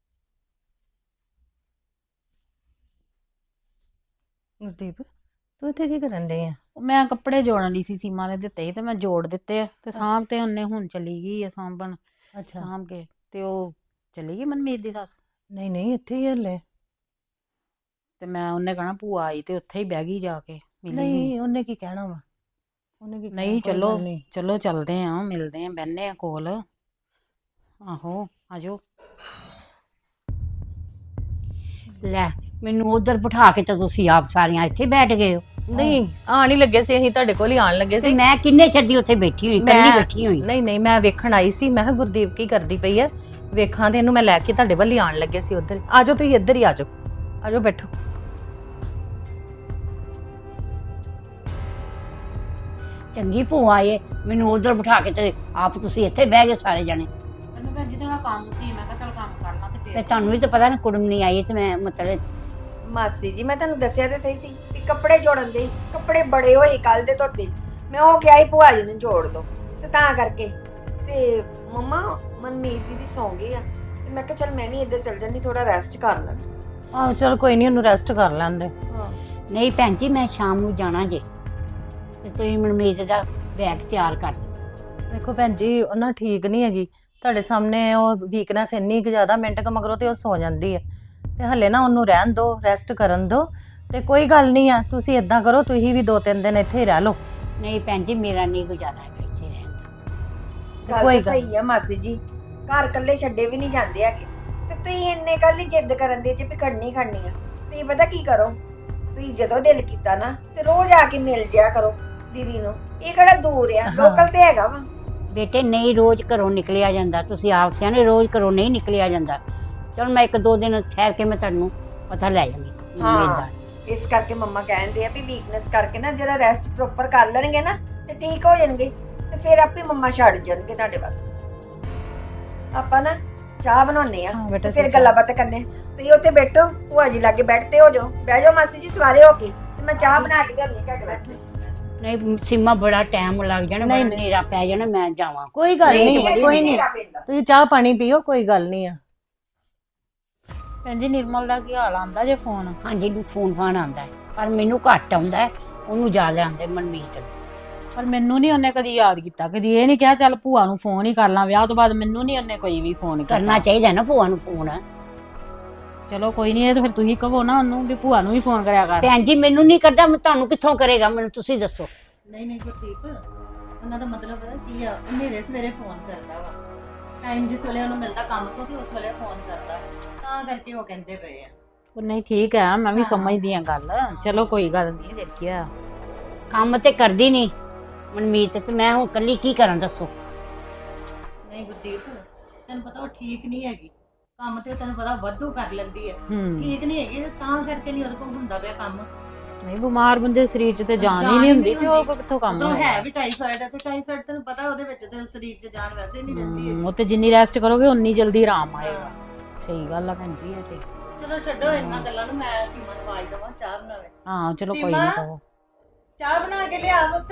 ਗੁਰਦੀਪ ਤੂੰ ਇੱਥੇ ਕੀ ਕਰਨ ਡਈ ਆ? ਮੈਂ ਕੱਪੜੇ ਜੋੜਨ ਲਈ ਸੀ, ਸੀਮਾ ਨੇ ਦਿੱਤੇ ਸੀ ਤੇ ਮੈਂ ਜੋੜ ਦਿੱਤੇ ਆ, ਤੇ ਸਾਂਭ ਤੇ ਉਹਨੇ ਹੁਣ ਚਲੀ ਗਈ ਆ ਸਾਂਭਣ, ਅੱਛਾ। ਸਾਂਭ ਕੇ ਤੇ ਉਹ ਚਲੀ ਗਈ ਮਨਮੀਤ ਦੀ ਸੱਸ। ਨਹੀਂ ਨਹੀਂ ਇੱਥੇ ਹੀ ਹਲੇ। ਤੇ ਮੈਂ ਉਹਨੇ ਕਹਣਾ ਭੂਆ ਆਈ ਤੇ ਉੱਥੇ ਹੀ ਬਹਿ ਗਈ ਜਾ ਕੇ। ਮਿਲੀ ਨਹੀਂ ਉਹਨੇ ਕੀ ਕਹਿਣਾ ਵਾ, ਉਹਨੇ ਕੀ ਕਹਿਣਾ, ਨਹੀਂ ਕੋਈ ਚਲੋ ਗੱਲ ਨਹੀਂ। ਚਲੋ ਚੱਲਦੇ ਆ, ਮਿਲਦੇ ਆ, ਬਹਿਨੇ ਆ ਕੋਲ। ਆਹੋ ਆਜੋ। ਲੈ ਮੈਨੂੰ ਉਧਰ ਬਿਠਾ ਕੇ ਤਾਂ ਤੁਸੀਂ ਆਪ ਸਾਰੀਆਂ ਇੱਥੇ ਬੈਠ ਗਏ ਹੋ। ਨਹੀਂ ਆਣ ਹੀ ਲੱਗੇ ਸੀ, ਅਸੀਂ ਤੁਹਾਡੇ ਕੋਲ ਹੀ ਆਣ ਲੱਗੇ ਤੇ ਸੀ। ਮੈਂ ਕਿੰਨੇ ਛੱਡੀ ਉੱਥੇ ਬੈਠੀ ਹੋਈ, ਕੱਲੀ ਬੈਠੀ ਹੋਈ। ਨਹੀਂ ਨਹੀਂ ਮੈਂ ਵੇਖਣ ਆਈ ਸੀ, ਮੈਂ ਕਿਹਾ ਗੁਰਦੀਪ ਕੀ ਕਰਦੀ ਪਈ ਹੈ, ਵੇਖਾਂ ਤੇ ਇਹਨੂੰ ਮੈਂ ਲੈ ਕੇ ਤੁਹਾਡੇ ਵੱਲ ਹੀ ਆਣ ਲੱਗੇ ਸੀ ਉਧਰ। ਆਜੋ ਤੁਸੀਂ ਇੱਧਰ ਹੀ ਆਜੋ, ਆਜੋ ਬੈਠੋ। ਚੰਗੀ ਭੂਆ ਏ, ਮੈਨੂੰ ਉਧਰ ਬਿਠਾ ਕੇ ਤੇ ਆਪ ਤੁਸੀਂ ਇੱਥੇ ਬਹਿ ਗਏ ਸਾਰੇ ਜਣੇ। ਮੈਨੂੰ ਭੈਣ ਜੀ ਥੋੜਾ ਕੰਮ ਸੀ, ਮੈਂ ਕਿਹਾ ਚੱਲ ਕੰਮ ਕਰ ਲਾਂ ਤੇ ਤੇ ਤੁਹਾਨੂੰ ਵੀ ਤਾਂ ਪਤਾ ਨਾ ਕੁੜਮ ਨਹੀਂ ਆਈ ਤੇ ਮੈਂ ਮਤਲਬ ਮਾਸੀ ਜੀ ਮੈਂ ਤੁਹਾਨੂੰ ਦੱਸਿਆ ਤੇ ਸਹੀ ਸੀ ਕਿ ਕੱਪੜੇ ਜੋੜਨ ਦੇ ਕੱਪੜੇ ਬੜੇ ਹੋਏ ਕੱਲ ਦੇ ਧੋਤੇ, ਮੈਂ ਉਹ ਕਿਹਾ ਸੀ ਭੂਆ ਜੀ ਨੂੰ ਜੋੜ ਦੋ ਤੇ ਤਾਂ ਕਰਕੇ। ਤੇ ਮੰਮਾ ਮਨਮੀਤ ਦੀਦੀ ਸੌਂ ਗਏ ਆ ਤੇ ਮੈਂ ਕਿਹਾ ਚੱਲ ਮੈਂ ਵੀ ਇੱਧਰ ਚੱਲ ਜਾਂਦੀ, ਥੋੜਾ ਰੈਸਟ ਕਰ ਲਾਂ। ਆਹੋ ਚਲ ਕੋਈ ਨਹੀਂ, ਉਹਨੂੰ ਰੈਸਟ ਕਰ ਲੈਂਦੇ। ਹਾਂ ਨਹੀਂ ਭੈਣ ਜੀ ਮੈਂ ਸ਼ਾਮ ਨੂੰ ਜਾਣਾ ਜੇ, ਤੇ ਤੁਸੀਂ ਮਨਮੀਤ ਦਾ ਬੈਗ ਤਿਆਰ ਕਰ ਦਿਓ। ਵੇਖੋ ਭੈਣ ਜੀ ਉਹ ਨਾ ਠੀਕ ਨਹੀਂ ਹੈਗੀ, ਤੁਹਾਡੇ ਸਾਹਮਣੇ ਉਹ ਵੀਕਨੈਸ ਇੰਨੀ ਕੁ ਜ਼ਿਆਦਾ, ਮਿੰਟ ਕ ਮਗਰੋਂ ਤੇ ਉਹ ਸੌ ਜਾਂਦੀ ਹੈ। ਤੇ ਹਲੇ ਨਾ ਉਹਨੂੰ ਰਹਿਣ ਦਿਓ, ਰੈਸਟ ਕਰਨ ਦਿਓ। ਤੇ ਕੋਈ ਗੱਲ ਨਹੀਂ ਆ, ਤੁਸੀਂ ਇਦਾਂ ਕਰੋ, ਤੁਸੀਂ ਵੀ ਦੋ ਤਿੰਨ ਦਿਨ ਇੱਥੇ ਹੀ ਰਹਿ ਲਓ। ਨਹੀਂ ਭੈਣ ਜੀ ਮੇਰਾ ਨਹੀਂ ਗੁਜ਼ਾਰਾ ਹੈਗਾ ਇੱਥੇ ਰਹਿਣ ਦਾ। ਗੱਲ ਕੋਈ ਤਾਂ ਗੱਲ- ਸਹੀ ਆ ਮਾਸੀ ਜੀ, ਘਰ ਇਕੱਲੇ ਛੱਡੇ ਵੀ ਨਹੀਂ ਜਾਂਦੇ ਹੈਗੇ ਤੇ ਤੁਸੀਂ ਇੰਨੇ ਕੱਲ ਹੀ ਜਿੱਦ ਕਰਨ ਦੇ ਜੇ ਵੀ ਖੜਨੀ ਖੜਨੀ ਆ। ਤੁਸੀਂ ਪਤਾ ਕੀ ਕਰੋ, ਤੁਸੀਂ ਜਦੋਂ ਦਿਲ ਕੀਤਾ ਨਾ ਤੇ ਰੋਜ਼ ਆ ਕੇ ਮਿਲ ਜਿਆ ਕਰੋ ਦੀਦੀ ਨੂੰ, ਇਹ ਕਿਹੜਾ ਦੂਰ ਆ, ਹਾਂ। ਲੋਕਲ ਤੇ ਹੈਗਾ ਵਾ। ਬੇਟੇ ਨਹੀਂ ਰੋਜ਼ ਘਰੋਂ ਨਿਕਲਿਆ ਜਾਂਦਾ, ਤੁਸੀਂ ਆਪ ਸਿਆਣੇ, ਰੋਜ਼ ਘਰੋਂ ਨਹੀਂ ਨਿਕਲਿਆ ਜਾਂਦਾ। ਚਲ ਮੈਂ ਇੱਕ ਦੋ ਦਿਨ ਠਹਿਰ ਕੇ ਮੈਂ ਤੁਹਾਨੂੰ ਪਤਾ ਲੈ ਜਾਂਗੀ ਮਨਮੀਤ ਦਾ। ਇਸ ਕਰਕੇ ਮੰਮਾ ਕਹਿੰਦੇ ਆ ਵੀ ਵੀਕਨੈਸ ਕਰਕੇ ਨਾ ਜਿਹੜਾ ਰੈਸਟ ਪ੍ਰੋਪਰ ਕਰ ਲੈਣਗੇ ਨਾ ਤੇ ਠੀਕ ਹੋ ਜਾਣਗੇ, ਤੇ ਫਿਰ ਆਪੇ ਮੰਮਾ ਛੱਡ ਜਾਣਗੇ ਤੁਹਾਡੇ ਵੱਲ। ਆਪਾਂ ਨਾ ਚਾਹ ਬਣਾਉਣੇ ਆ ਹਾਂ ਤੇ ਬੇਟਾ, ਫਿਰ ਗੱਲਾਂ ਬਾਤਾਂ ਕਰਨੇ। ਤੁਸੀਂ ਉੱਥੇ ਬੈਠੋ, ਭੂਆ ਜੀ ਲਾਗੇ ਬੈਠਦੇ ਹੋ ਜਾਓ, ਬਹਿ ਜਾਓ ਮਾਸੀ ਜੀ ਸਵਾਰੇ ਹੋ ਕੇ, ਤੇ ਮੈਂ ਚਾਹ ਬਣਾ ਕੇ ਲਿਆਉਣੀ ਤੁਹਾਡੇ ਵਾਸਤੇ। ਨਹੀਂ ਸੀਮਾ ਬੜਾ ਟਾਈਮ ਲੱਗ ਜਾਣਾ, ਨਹੀਂ, ਬੜਾ ਹਨੇਰਾ ਪੈ ਜਾਣਾ, ਮੈਂ ਜਾਵਾਂ। ਕੋਈ ਗੱਲ ਨਹੀਂ, ਨਹੀਂ, ਨਹੀਂ, ਕੋਈ ਨਹੀਂ, ਨਹੀਂ, ਹਨੇਰਾ ਪੈਂਦਾ। ਤੁਸੀਂ ਚਾਹ ਪਾਣੀ ਪੀਓ, ਕੋਈ ਗੱਲ ਨਹੀਂ ਆ। ਭੈਣ ਜੀ ਨਿਰਮਲ ਦਾ ਕੀ ਹਾਲ ਆਂਦਾ ਜੇ ਫੋਨ? ਹਾਂਜੀ ਫੋਨ ਫਾਨ ਆਉਂਦਾ ਹੈ, ਪਰ ਮੈਨੂੰ ਘੱਟ ਆਉਂਦਾ ਹੈ, ਉਹਨੂੰ ਜ਼ਿਆਦਾ ਆਉਂਦੇ ਮਨਮੀਤ ਨੂੰ। ਪਰ ਮੈਨੂੰ ਨਹੀਂ ਉਹਨੇ ਕਦੀ ਯਾਦ ਕੀਤਾ, ਕਦੀ ਇਹ ਨਹੀਂ ਕਿਹਾ ਚੱਲ ਭੂਆ ਨੂੰ ਫੋਨ ਹੀ ਕਰ ਲਾਂ। ਵਿਆਹ ਤੋਂ ਬਾਅਦ ਮੈਨੂੰ ਨਹੀਂ ਉਹਨੇ ਕੋਈ ਵੀ ਫੋਨ ਕੀਤਾ। ਕਰਨਾ ਚਾਹੀਦਾ ਨਾ ਭੂਆ ਨੂੰ ਫੋਨ। ਚਲੋ ਕੋਈ ਨਹੀਂ, ਇਹ ਤਾਂ ਫਿਰ ਤੁਸੀਂ ਕਹੋ ਨਾ ਉਹਨੂੰ ਵੀ ਭੂਆ ਨੂੰ ਵੀ ਫੋਨ ਕਰਿਆ ਕਰ। ਭੈਣ ਜੀ ਮੈਨੂੰ ਨਹੀਂ ਕਰਦਾ, ਮੈਂ ਤੁਹਾਨੂੰ ਕਿੱਥੋਂ ਕਰੇਗਾ, ਮੈਨੂੰ ਤੁਸੀਂ ਦੱਸੋ। ਨਹੀਂ ਨਹੀਂ ਗੁਰਦੀਪ, ਉਹਨਾਂ ਦਾ ਮਤਲਬ ਹੈ ਕੀ ਆ, ਮੇਰੇ ਸਵੇਰੇ ਫੋਨ ਕਰਦਾ ਵਾ, ਟਾਈਮ ਜਿਸ ਵੇਲੇ ਉਹਨੂੰ ਮਿਲਦਾ ਕੰਮ ਤੋਂ ਤੇ ਉਸ ਵੇਲੇ ਫੋਨ ਕਰਦਾ, ਤਾਂ ਕਰਕੇ ਉਹ ਕਹਿੰਦੇ ਪਏ ਆ। ਉਹ ਨਹੀਂ ਠੀਕ ਹੈ, ਮੈਂ ਵੀ ਹਾਂ। ਸਮਝਦੀ ਆ ਗੱਲ। ਚਲੋ ਕੋਈ ਗੱਲ ਨਹੀਂ, ਦੇਖਿਆ ਕੰਮ ਤੇ ਕਰਦੀ ਨਹੀਂ ਮਨਮੀਤ, ਤੇ ਮੈਂ ਹੁਣ ਇਕੱਲੀ ਕੀ ਕਰਾਂ ਦੱਸੋ। ਨਹੀਂ ਗੁਰਦੀਪ, ਤੈਨੂੰ ਪਤਾ ਉਹ ਠੀਕ ਨਹੀਂ ਹੈਗੀ, ਕੰਮ ਤੇ ਤੈਨੂੰ ਪਤਾ ਵਾਧੂ ਕਰ ਲੈਂਦੀ ਹੈ, ਹੂੰ ਠੀਕ ਨਹੀਂ ਹੈਗੀ ਤੇ ਤਾਂ ਕਰਕੇ ਨਹੀਂ ਉਹਦੇ ਕੋਲ ਹੁੰਦਾ ਪਿਆ ਕੰਮ। ਨਹੀਂ ਬਿਮਾਰ ਬੰਦੇ ਦੇ ਸਰੀਰ 'ਚ ਤੇ ਜਾਨ ਹੀ ਨਹੀਂ ਹੁੰਦੀ, ਤੇ ਉਹ ਕਿੱਥੋਂ ਕੰਮ ਉਦੋਂ ਹੋਏਗਾ? ਹੈ ਵੀ ਟਾਈਫਾਇਡ ਹੈ, ਤੇ ਟਾਈਫਾਇਡ ਤੈਨੂੰ ਪਤਾ ਉਹਦੇ ਵਿੱਚ ਤੇ ਸਰੀਰ 'ਚ ਜਾਨ ਵੈਸੇ ਨਹੀਂ ਰਹਿੰਦੀ ਹੂੰ, ਹੈਗੀ। ਉਹ ਤੇ ਜਿੰਨੀ ਰੈਸਟ ਕਰੋਗੇ ਉਨੀ ਜਲਦੀ ਆਰਾਮ ਆਏਗਾ। ਸਹੀ ਗੱਲ ਆ ਭੈਣ ਜੀ ਇਹ ਤੇ। ਚਲੋ ਛੱਡੋ ਇਹਨਾਂ ਗੱਲਾਂ ਨੂੰ, ਮੈਂ ਸੀਮਾ ਨੂੰ ਆਵਾਜ਼ ਦੇਵਾਂ ਚਾਹ ਬਣਾਵੇ। ਹਾਂ ਚਲੋ ਕੋਈ ਸੀਮਾ? ਨਹੀਂ ਕਹੋ। ਚਾਹ ਬਣਾ ਕੇ ਲਿਆ ਪੁੱਤ।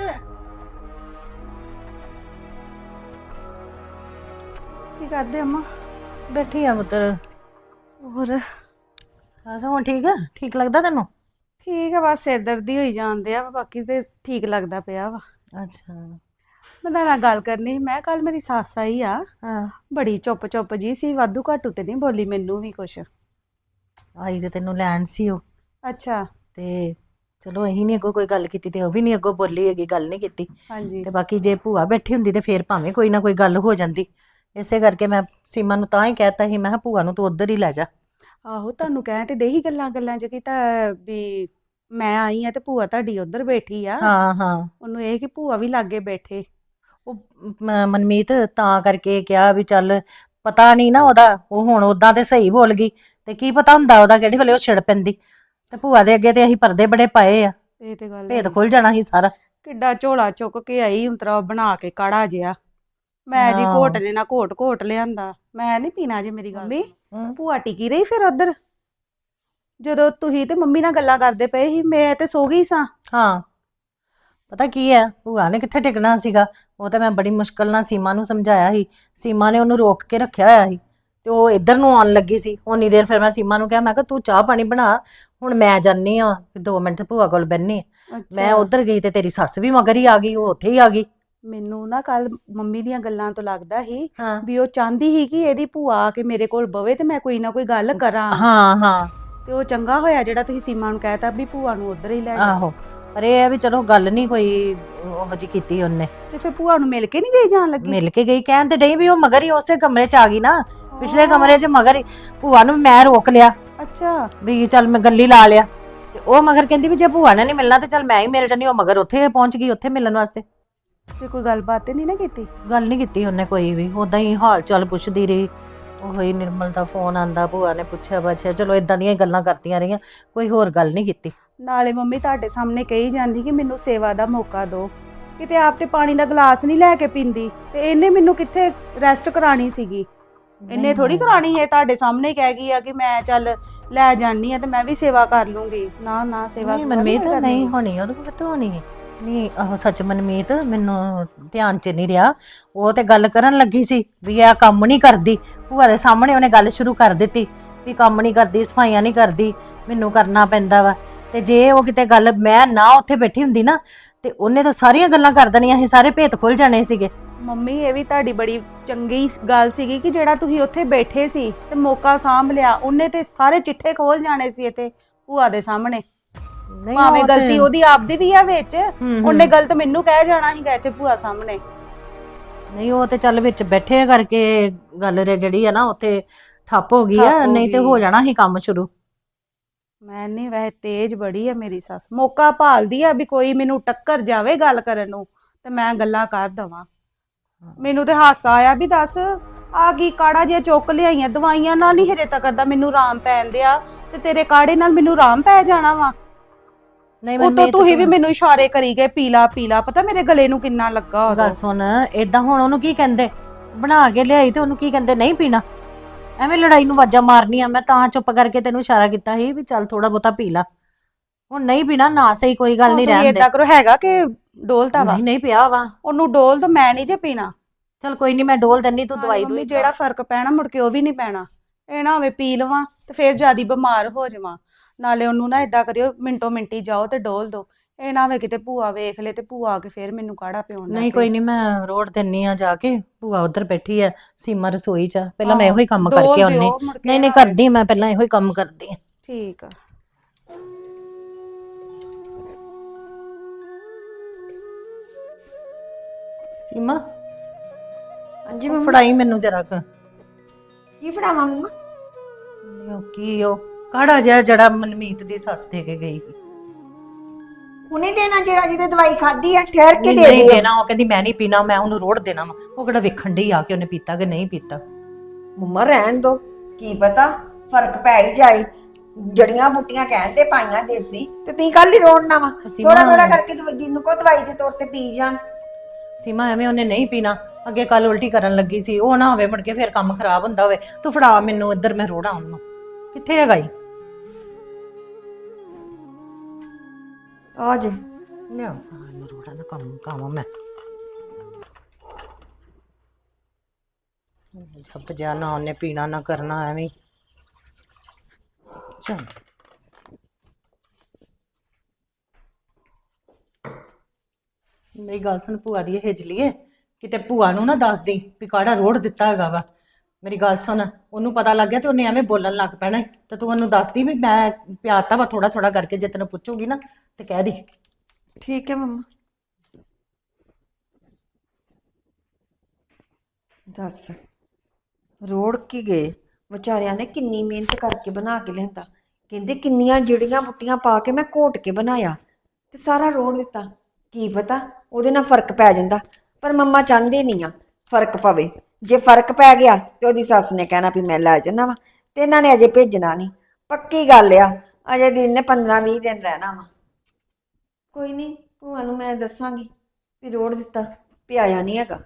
ਕੀ ਕਰਦੇ ਅੰਮਾ? ਬੈਠੀ ਆ ਪੁੱਤਰ। ਹੋਰ ਅੱਛਾ ਹੁਣ ਠੀਕ ਆ, ਠੀਕ ਲੱਗਦਾ ਤੈਨੂੰ? ਠੀਕ ਆ, ਬਸ ਸਿਰ ਦਰਦੀ ਹੋਈ ਜਾਂਦੇ ਆ, ਬਾਕੀ ਤੇ ਠੀਕ ਲੱਗਦਾ ਪਿਆ ਵਾ। ਅੱਛਾ ਮੈਂ ਤੁਹਾਡੇ ਨਾਲ ਗੱਲ ਕਰਨੀ ਸੀ। ਮੈਂ ਕੱਲ ਮੇਰੀ ਸੱਸ ਆਈ ਆ, ਹਾਂ, ਬੜੀ ਚੁੱਪ ਚੁੱਪ ਜੀ ਸੀ, ਵਾਧੂ ਘਾਟੂ ਤੇ ਨਹੀਂ ਬੋਲੀ ਮੈਨੂੰ ਵੀ ਕੁਛ। ਆਈ ਤੇ ਤੈਨੂੰ ਲੈਣ ਸੀ ਉਹ, ਅੱਛਾ ਤੇ ਚਲੋ ਅਸੀਂ ਨਹੀਂ ਅੱਗੋਂ ਕੋਈ ਗੱਲ ਕੀਤੀ ਤੇ ਉਹ ਵੀ ਨਹੀਂ ਅੱਗੋਂ ਬੋਲੀ ਹੈਗੀ, ਗੱਲ ਨਹੀਂ ਕੀਤੀ। ਹਾਂਜੀ ਤੇ ਬਾਕੀ ਜੇ ਭੂਆ ਬੈਠੀ ਹੁੰਦੀ ਤੇ ਫੇਰ ਭਾਵੇਂ ਕੋਈ ਨਾ ਕੋਈ ਗੱਲ ਹੋ ਜਾਂਦੀ। ਇਸੇ ਕਰਕੇ ਮੈਂ ਸੀਮਾ ਨੂੰ ਤਾਂ ਹੀ ਕਹਿਤਾ ਸੀ, ਮੈਂ ਕਿਹਾ ਭੂਆ ਨੂੰ ਤੂੰ ਉੱਧਰ ਹੀ ਲੈ ਜਾ। ਆਹੋ ਤੁਹਾਨੂੰ ਕਹਿ ਤੇ ਦੇਹੀ ਗੱਲਾਂ ਗੱਲਾਂ ਚ ਕੀ ਤਾਂ ਵੀ ਮੈਂ ਆਈ ਆ ਤੇ ਭੂਆ ਤੁਹਾਡੀ ਉੱਧਰ ਬੈਠੀ ਆ। ਹਾਂ ਹਾਂ, ਉਹਨੂੰ ਇਹ ਕਿ ਭੂਆ ਵੀ ਲਾਗੇ ਬੈਠੇ। ਉਹ ਮ- ਮਨਮੀਤ ਤਾਂ ਕਰਕੇ ਕਿਹਾ ਵੀ ਚੱਲ ਪਤਾ ਨਹੀਂ ਨਾ ਉਹਦਾ, ਉਹ ਹੁਣ ਉਦਾਂ ਤੇ ਸਹੀ ਬੋਲ ਗਈ, ਤੇ ਕੀ ਪਤਾ ਹੁੰਦਾ ਉਹਦਾ ਕਿਹੜੀ ਵੇਲੇ ਉਹ ਛਿੜ ਪੈਂਦੀ। ਤੇ ਭੂਆ ਦੇ ਅੱਗੇ ਤੇ ਅਸੀਂ ਪਰਦੇ ਬੜੇ ਪਾਏ ਆ, ਇਹ ਤੇ ਗੱਲ ਭੇਦ ਹੈਗੀ। ਖੁੱਲ ਜਾਣਾ ਸੀ ਸਾਰਾ। ਕਿੱਡਾ ਝੋਲਾ ਚੁੱਕ ਕੇ ਆਈ ਉਂਤਰਾ ਬਣਾ ਕੇ ਕਾੜਾ ਜਿਆ। ਮੈਂ ਜੀ ਹਾਂ। ਘੋਟ ਲੈਣਾ, ਘੋਟ ਘੋਟ ਲਿਆਂਦਾ। ਮੈਂ ਨਹੀਂ ਪੀਣਾ ਜੀ, ਮੇਰੀ ਗੱਲ ਮੰਮੀ? ਸੁਣੋ। ਹਮ। ਭੂਆ ਟਿਕੀ ਰਹੀ ਫਿਰ ਉੱਧਰ ਜਦੋਂ ਤੁਸੀਂ ਤੇ ਮੰਮੀ ਨਾਲ ਗੱਲਾਂ ਕਰਦੇ ਪਏ ਸੀ, ਮੈਂ ਤੇ ਸੋ ਗਈ ਸਾਂ। ਹਾਂ ਪਤਾ ਕੀ ਹੈ, ਭੂਆ ਨੇ ਕਿੱਥੇ ਟਿਕਣਾ ਸੀਗਾ। ਉਹ ਤਾਂ ਮੈਂ ਬੜੀ ਮੁਸ਼ਕਲ ਨਾਲ ਸੀਮਾ ਨੂੰ ਸਮਝਾਇਆ ਸੀ, ਸੀਮਾ ਨੇ ਉਹਨੂੰ ਰੋਕ ਕੇ ਰੱਖਿਆ ਹੋਇਆ ਸੀ, ਤੇ ਉਹ ਇੱਧਰ ਨੂੰ ਆਉਣ ਲੱਗੀ ਸੀ। ਉਨੀ ਦੇਰ ਫਿਰ ਮੈਂ ਸੀਮਾ ਨੂੰ ਕਿਹਾ, ਮੈਂ ਕਿਹਾ ਤੂੰ ਚਾਹ ਪਾਣੀ ਬਣਾ, ਹੁਣ ਮੈਂ ਜਾਨੀ ਆ ਦੋ ਮਿੰਟ ਭੂਆ ਕੋਲ ਬੈਠੀ। ਮੈਂ ਉੱਧਰ ਗਈ ਤੇ ਤੇਰੀ ਸੱਸ ਵੀ ਮਗਰ ਹੀ ਆ ਗਈ, ਉਹ ਉੱਥੇ ਹੀ ਆ ਗਈ। ਮੈਨੂੰ ਨਾ ਕੱਲ ਮੰਮੀ ਦੀਆਂ ਗੱਲਾਂ ਤੋਂ ਲੱਗਦਾ ਸੀ ਹਾਂ ਵੀ ਉਹ ਚਾਹੁੰਦੀ ਸੀ ਕਿ ਇਹਦੀ ਭੂਆ ਆ ਕੇ ਮੇਰੇ ਕੋਲ ਬਵੇ ਤੇ ਮੈਂ ਕੋਈ ਨਾ ਕੋਈ ਗੱਲ ਕਰਾਂ। ਹਾਂ ਹਾਂ ਤੇ ਉਹ ਚੰਗਾ ਹੋਇਆ ਜਿਹੜਾ ਤੁਸੀਂ ਸੀਮਾ ਨੂੰ ਕਹਿਤਾ ਵੀ ਭੂਆ ਨੂੰ ਉੱਧਰ ਹੀ ਲੈ ਜਾ। ਆਹੋ ਪਰ ਇਹ ਹੈ ਵੀ ਚਲੋ ਗੱਲ ਨਹੀਂ ਕੋਈ ਉਹੋ ਜਿਹੀ ਕੀਤੀ ਉਹਨੇ। ਤੇ ਫਿਰ ਭੂਆ ਨੂੰ ਮਿਲ ਕੇ ਨਹੀਂ ਗਈ ਜਾਣ ਲੱਗੀ? ਮਿਲ ਕੇ ਗਈ, ਕਹਿਣ ਤੇ ਡਈ ਵੀ ਉਹ ਮਗਰ ਹੀ ਉਸੇ ਕਮਰੇ 'ਚ ਆ ਗਈ ਨਾ, ਪਿਛਲੇ ਕਮਰੇ 'ਚ ਮਗਰ ਹੀ। ਭੂਆ ਨੂੰ ਮੈਂ ਰੋਕ ਲਿਆ ਅੱਛਾ। ਵੀ ਚੱਲ ਮੈਂ ਗੱਲੀ ਲਾ ਲਿਆ, ਤੇ ਉਹ ਮਗਰ ਕਹਿੰਦੀ ਵੀ ਜੇ ਭੂਆ ਨੇ ਨਹੀਂ ਮਿਲਣਾ ਤੇ ਚੱਲ ਮੈਂ ਹੀ ਮਿਲ ਜਾਂਦੀ। ਉਹ ਮਗਰ ਉੱਥੇ ਪਹੁੰਚ ਗਈ, ਉੱਥੇ ਮਿਲਣ ਵਾਸਤੇ। ਤੇ ਕੋਈ ਗੱਲਬਾਤ ਤੇ ਨਹੀਂ ਨਾ ਕੀਤੀ? ਗੱਲ ਨਹੀਂ ਕੀਤੀ ਉਹਨੇ ਕੋਈ ਵੀ, ਉਦਾਂ ਹੀ ਹਾਲ ਚਾਲ ਪੁੱਛਦੀ ਰਹੀ। ਉਹ ਹੀ ਨਿਰਮਲ ਦਾ ਫੋਨ ਆਂਦਾ, ਭੂਆ ਨੇ ਪੁੱਛਿਆ ਬਾਛਿਆ, ਚਲੋ ਇਦਾਂ ਦੀਆਂ ਹੀ ਗੱਲਾਂ ਕਰਦੀਆਂ ਰਹੀਆਂ, ਕੋਈ ਹੋਰ ਗੱਲ ਨਹੀਂ ਕੀਤੀ। ਨਾਲੇ ਮੰਮੀ ਤੁਹਾਡੇ ਸਾਹਮਣੇ ਕਹੀ ਜਾਂਦੀ ਕਿ ਮੈਨੂੰ ਸੇਵਾ ਦਾ ਮੌਕਾ ਦਿਓ, ਕਿਤੇ ਆਪ ਤੇ ਪਾਣੀ ਦਾ ਗਲਾਸ ਨਹੀਂ ਲੈ ਕੇ ਪੀਂਦੀ, ਤੇ ਇਹਨੇ ਮੈਨੂੰ ਕਿੱਥੇ ਰੈਸਟ ਕਰਾਣੀ ਸੀਗੀ? ਇਹਨੇ ਥੋੜੀ ਕਰਾਣੀ ਹੈ, ਤੁਹਾਡੇ ਸਾਹਮਣੇ ਕਹਿ ਗਈ ਆ ਕਿ ਮੈਂ ਚੱਲ ਲੈ ਜਾਣੀ ਆ ਤੇ ਮੈਂ ਵੀ ਸੇਵਾ ਕਰ ਲੂੰਗੀ। ਨਾ ਨਾ ਸੇਵਾ ਨਹੀਂ ਮਨਮੀਤ ਨਹੀਂ ਹੋਣੀ, ਉਹਦੇ ਕੋਲ ਕਿੱਥੋਂ ਹੋਣੀ ਹੈ? ਨਹੀਂ ਆਹ ਸੱਚ ਮਨਮੀਤ, ਮੈਨੂੰ ਧਿਆਨ 'ਚ ਨਹੀਂ ਰਿਹਾ। ਉਹ ਤੇ ਗੱਲ ਕਰਨ ਲੱਗੀ ਸੀ ਵੀ ਇਹ ਕੰਮ ਨਹੀਂ ਕਰਦੀ, ਭੂਆ ਦੇ ਸਾਹਮਣੇ ਉਹਨੇ ਗੱਲ ਸ਼ੁਰੂ ਕਰ ਦਿੱਤੀ ਵੀ ਕੰਮ ਨਹੀਂ ਕਰਦੀ, ਸਫਾਈਆਂ ਨਹੀਂ ਕਰਦੀ, ਮੈਨੂੰ ਕਰਨਾ ਪੈਂਦਾ ਵਾ। ਤੇ ਜੇ ਉਹ ਕਿਤੇ ਗੱਲ ਮੈਂ ਨਾ ਉੱਥੇ ਬੈਠੀ ਹੁੰਦੀ ਨਾ, ਤੇ ਉਹਨੇ ਤਾਂ ਸਾਰੀਆਂ ਗੱਲਾਂ ਕਰ ਦੇਣੀਆਂ ਸੀ, ਸਾਰੇ ਭੇਤ ਖੁੱਲ ਜਾਣੇ ਸੀਗੇ। ਮੰਮੀ ਇਹ ਵੀ ਤੁਹਾਡੀ ਬੜੀ ਚੰਗੀ ਗੱਲ ਸੀਗੀ ਕਿ ਜਿਹੜਾ ਤੁਸੀਂ ਉੱਥੇ ਬੈਠੇ ਸੀ ਤੇ ਮੌਕਾ ਸਾਂਭ ਲਿਆ। ਉਹਨੇ ਤੇ ਸਾਰੇ ਚਿੱਠੇ ਖੋਲ ਜਾਣੇ ਸੀ ਇੱਥੇ ਭੂਆ ਦੇ ਸਾਹਮਣੇ। ਨਹੀਂ ਭਾਵੇਂ ਉਹ ਤੇ- ਗਲਤੀ ਉਹਦੀ ਆਪਦੀ ਵੀ ਆ ਵਿੱਚ, ਹੂੰ, ਹੂੰ। ਉਹਨੇ ਗਲਤ ਮੈਨੂੰ ਕਹਿ ਜਾਣਾ ਸੀਗਾ ਇੱਥੇ ਭੂਆ ਸਾਹਮਣੇ। ਨਹੀਂ ਉਹ ਤੇ ਚੱਲ ਵਿੱਚ ਬੈਠੇ ਕਰਕੇ ਗੱਲ ਰੇ ਜਿਹੜੀ ਆ ਨਾ ਉੱਥੇ ਠੱਪ ਹੋ ਗਈ ਠੱਪ ਆ, ਹੋ ਨਹੀਂ ਤੇ ਗਈ। ਹੋ ਜਾਣਾ ਸੀ ਕੰਮ ਸ਼ੁਰੂ। ਮੈਂ ਨਹੀਂ, ਵੈਸੇ ਤੇਜ਼ ਬੜੀ ਆ ਮੇਰੀ ਸੱਸ, ਮੌਕਾ ਭਾਲਦੀ ਆ ਵੀ ਕੋਈ ਮੈਨੂੰ ਟੱਕਰ ਜਾਵੇ ਗੱਲ ਕਰਨ ਨੂੰ ਤੇ ਮੈਂ ਗੱਲਾਂ ਕਰ ਦਵਾਂ। ਮੈਨੂੰ ਤੇ ਹਾਸਾ ਆਇਆ ਵੀ ਦੱਸ ਆ ਕੀ ਕਾੜਾ ਜਿਹਾ ਚੁੱਕ ਲਿਆਈਆਂ, ਦਵਾਈਆਂ ਨਾਲ ਨਹੀਂ ਹਜੇ ਤੱਕ ਦਾ ਮੈਨੂੰ ਆਰਾਮ ਪੈਣ ਦਿਆ, ਤੇ ਤੇਰੇ ਕਾੜੇ ਨਾਲ ਮੈਨੂੰ ਆਰਾਮ ਪੈ ਜਾਣਾ ਵਾ। ਨਹੀਂ ਉਹ ਤੋਂ ਮਨਮੀਤ ਤੁਸੀਂ ਵੀ ਮੈਨੂੰ ਇਸ਼ਾਰੇ ਕਰੀ ਗਏ ਪੀਲਾ ਪੀਲਾ, ਪਤਾ ਮੇਰੇ ਗਲੇ ਨੂੰ ਕਿੰਨਾ ਲੱਗਾ ਗੱਲ ਉਹਦਾ। ਸੁਣ, ਏਦਾਂ ਹੁਣ ਉਹਨੂੰ ਕੀ ਕਹਿੰਦੇ? ਬਣਾ ਕੇ ਲਿਆਈ ਤੇ ਉਹਨੂੰ ਕੀ ਕਹਿੰਦੇ? ਨਹੀਂ ਪੀਣਾ? ਐਵੇਂ ਲੜਾਈ ਨੂੰ ਵਾਜਾ ਮਾਰਨੀਆਂ। ਮੈਂ ਤਾਂ ਚੁੱਪ ਕਰਕੇ ਤੈਨੂੰ ਇਸ਼ਾਰਾ ਕੀਤਾ ਸੀ ਵੀ ਚੱਲ ਥੋੜਾ ਬਹੁਤਾ ਪੀ ਲਾ। ਹੁਣ ਨਹੀਂ ਪੀਣਾ ਨਾ, ਸਹੀ ਕੋਈ ਗੱਲ ਨਹੀਂ, ਰਹਿਣ ਦੇ। ਏਦਾਂ ਕਰੋ, ਹੈਗਾ ਕਿ ਡੋਲਤਾ ਵਾ? ਨਹੀਂ ਨਹੀਂ ਪਿਆ ਵਾ। ਉਹਨੂੰ ਡੋਲ ਦੋ, ਮੈਂ ਨਹੀਂ ਜੇ ਪੀਣਾ। ਚੱਲ ਕੋਈ ਨਹੀਂ, ਮੈਂ ਡੋਲ ਦਿੰਨੀ, ਤੂੰ ਨਾਲੇ ਦਵਾਈ ਮੰਮੀ ਦੂਈ ਜਿਹੜਾ ਫਰਕ ਪੈਣਾ ਮੁੜ ਕੇ ਉਹ ਵੀ ਨਹੀਂ ਪੈਣਾ। ਇਹ ਨਾ ਹੋਵੇ ਪੀ ਲਵਾਂ ਤੇ ਫਿਰ ਜਿਆਦੀ ਬਿਮਾਰ ਹੋ ਜਾਵਾਂ। ਨਾਲੇ ਉਹਨੂੰ ਨਾ ਏਦਾਂ ਕਰਿਓ, ਮਿੰਟੋ ਮਿੰਟੀ ਜਾਓ ਤੇ ਡੋਲ ਦੋ। ਇਹ ਨਾ ਹੋਵੇ ਕਿਤੇ ਭੂਆ ਵੇਖ ਲੇ ਤੇ ਭੂਆ ਆ ਕੇ ਫਿਰ ਮੈਨੂੰ ਕਾੜਾ ਪਿਉਣ ਲੱਗ ਨਹੀਂ ਪਏ। ਕੋਈ ਨਹੀਂ, ਮੈਂ ਰੋੜ ਦਿੰਨੀ ਆ ਜਾ ਕੇ। ਭੂਆ ਉਧਰ ਬੈਠੀ ਆ ਸੀਮਾ ਰਸੋਈ 'ਚ, ਪਹਿਲਾਂ ਮੈਂ ਆਹੋ, ਇਹੋ ਹੀ ਕੰਮ ਡੋਲ ਕਰਕੇ ਆਉਣੀ। ਦਿਓ, ਮੁੜ ਕੇ ਨਹੀਂ ਨਹੀਂ ਨਾ ਹੋਵੇ। ਕਰਦੀ, ਮੈਂ ਪਹਿਲਾਂ ਇਹੋ ਹੀ ਕੰਮ ਕਰਦੀ ਆ। ਠੀਕ ਆ। ਸੀਮਾ ਹਾਂਜੀ ਉਹ ਮੰਮਾ। ਫੜਾਈ ਮੈਨੂੰ ਜਰਾ ਕ। ਕੀ ਫੜਾਵਾਂ ਮੰਮਾ? ਉਹ ਕੀ ਉਹ ਕਾੜਾ ਜਿਹਾ ਜਿਹੜਾ ਮਨਮੀਤ ਦੀ ਸੱਸ ਦੇ ਕੇ ਗਈ ਸੀ। ਹੁਣੇ ਦੇਣਾ ਜੇ ਅਜੇ ਤੇ ਦਵਾਈ ਖਾਧੀ ਆ, ਠਹਿਰ ਕੇ ਨਹੀਂ ਦੇ ਨਹੀਂ ਦਿਓ। ਦੇਣਾ, ਉਹ ਕਹਿੰਦੀ ਮੈਂ ਨਹੀਂ ਪੀਣਾ, ਮੈਂ ਉਹਨੂੰ ਰੋੜ ਦੇਣਾ ਵਾ। ਉਹ ਕਿਹੜਾ ਵੇਖਣ ਡਈ ਆ ਕਿ ਉਹਨੇ ਪੀਤਾ ਕਿ ਨਹੀਂ ਪੀਤਾ। ਮੰਮਾ ਰਹਿਣ ਦੋ, ਕੀ ਪਤਾ ਫਰਕ ਪੈ ਹੀ ਜਾਏ। ਜੜੀਆਂ ਬੂਟੀਆਂ ਕਹਿਣ ਤੇ ਪਾਈਆਂ ਦੇਸੀ, ਤੇ ਤੁਸੀਂ ਕੱਲ ਹੀ ਰੋੜਨਾ ਵਾ। ਅਸੀਂ ਥੋੜਾ ਨਾ- ਥੋੜਾ ਕਰਕੇ ਦਵਾਈ ਨੂੰ ਕੋ ਦਵਾਈ ਦੇ ਤੌਰ ਤੇ ਪੀ ਜਾਣ। ਸੀਮਾ ਐਵੇਂ ਉਹਨੇ ਨਹੀਂ ਪੀਣਾ, ਅੱਗੇ ਕੱਲ ਉਲਟੀ ਕਰਨ ਲੱਗੀ ਸੀ। ਉਹ ਨਾ ਹੋਵੇ ਮੁੜ ਕੇ ਫਿਰ ਕੰਮ ਖਰਾਬ ਹੁੰਦਾ ਹੋਵੇ। ਤੂੰ ਫੜਾ ਮੈਨੂੰ ਇੱਧਰ, ਮੈਂ ਰੋੜਾ ਉਹਨੂੰ। ਕਿੱਥੇ ਹੈਗਾ ਈ? ਆ ਜੇ ਲਿਆ ਮੈਂ ਰੋੜਾ ਦਾ ਕੰਮ ਕਾਵਾਂ ਮੈਂ। ਜੱਪ ਜਾ, ਨਾ ਉਹਨੇ ਪੀਣਾ ਨਾ ਕਰਨਾ, ਐਵੇਂ ਚੱਲ। ਮੇਰੀ ਗੱਲ ਸੁਣ, ਭੂਆ ਦੀ ਹਿਜਲੀਏ, ਕਿਤੇ ਭੂਆ ਨੂੰ ਨਾ ਦੱਸ ਦੇ ਵੀ ਕਾੜਾ ਰੋੜ ਦਿੱਤਾ ਹੈਗਾ ਵਾ। ਮੇਰੀ ਗੱਲ ਸੁਣ, ਉਹਨੂੰ ਪਤਾ ਲੱਗ ਗਿਆ ਤੇ ਉਹਨੇ ਐਵੇਂ ਬੋਲਣ ਲੱਗ ਪੈਣਾ ਈ। ਤੇ ਤੂੰ ਉਹਨੂੰ ਦੱਸਦੀ ਵੀ ਮੈਂ ਪਿਆਤਾ ਵਾ ਥੋੜਾ ਥੋੜਾ ਕਰਕੇ, ਜੇ ਤੈਨੂੰ ਪੁੱਛੂਗੀ ਨਾ ਤੇ ਕਹਿ ਦੀ। ਠੀਕ ਹੈ ਮੰਮਾ। ਦੱਸ ਰੋੜ ਕੇ ਗਏ ਵਿਚਾਰਿਆਂ ਨੇ, ਕਿੰਨੀ ਮਿਹਨਤ ਕਰਕੇ ਬਣਾ ਕੇ ਲਿਆਂਦਾ। ਕਹਿੰਦੇ ਕਿੰਨੀਆਂ ਜਿਹੜੀਆਂ ਬੁੱਟੀਆਂ ਪਾ ਕੇ ਮੈਂ ਘੋਟ ਕੇ ਬਣਾਇਆ, ਤੇ ਸਾਰਾ ਰੋੜ ਦਿੱਤਾ। ਕੀ ਪਤਾ ਉਹਦੇ ਨਾਲ ਫਰਕ ਪੈ ਜਾਂਦਾ, ਪਰ ਮੰਮਾ ਚਾਹੁੰਦੇ ਨਹੀਂ ਆ ਫਰਕ ਪਵੇ। ਜੇ ਫਰਕ ਪੈ ਗਿਆ ਤੇ ਉਹਦੀ ਸੱਸ ਨੇ ਕਹਿਣਾ ਵੀ ਮੈਂ ਲੈ ਜਾਣਾ ਵਾ, ਤੇ ਇਹਨਾਂ ਨੇ ਅਜੇ ਭੇਜਣਾ ਨਹੀਂ। ਪੱਕੀ ਗੱਲ ਆ, ਅਜੇ ਦਿਨ ਨੇ ਪੰਦਰਾਂ ਵੀਹ ਦਿਨ ਰਹਿਣਾ ਵਾ। ਕੋਈ ਨਹੀਂ, ਭੂਆ ਨੂੰ ਮੈਂ ਦੱਸਾਂਗੀ ਵੀ ਰੋੜ ਦਿੱਤਾ, ਪਿਆਇਆ ਨਹੀਂ ਹੈਗਾ।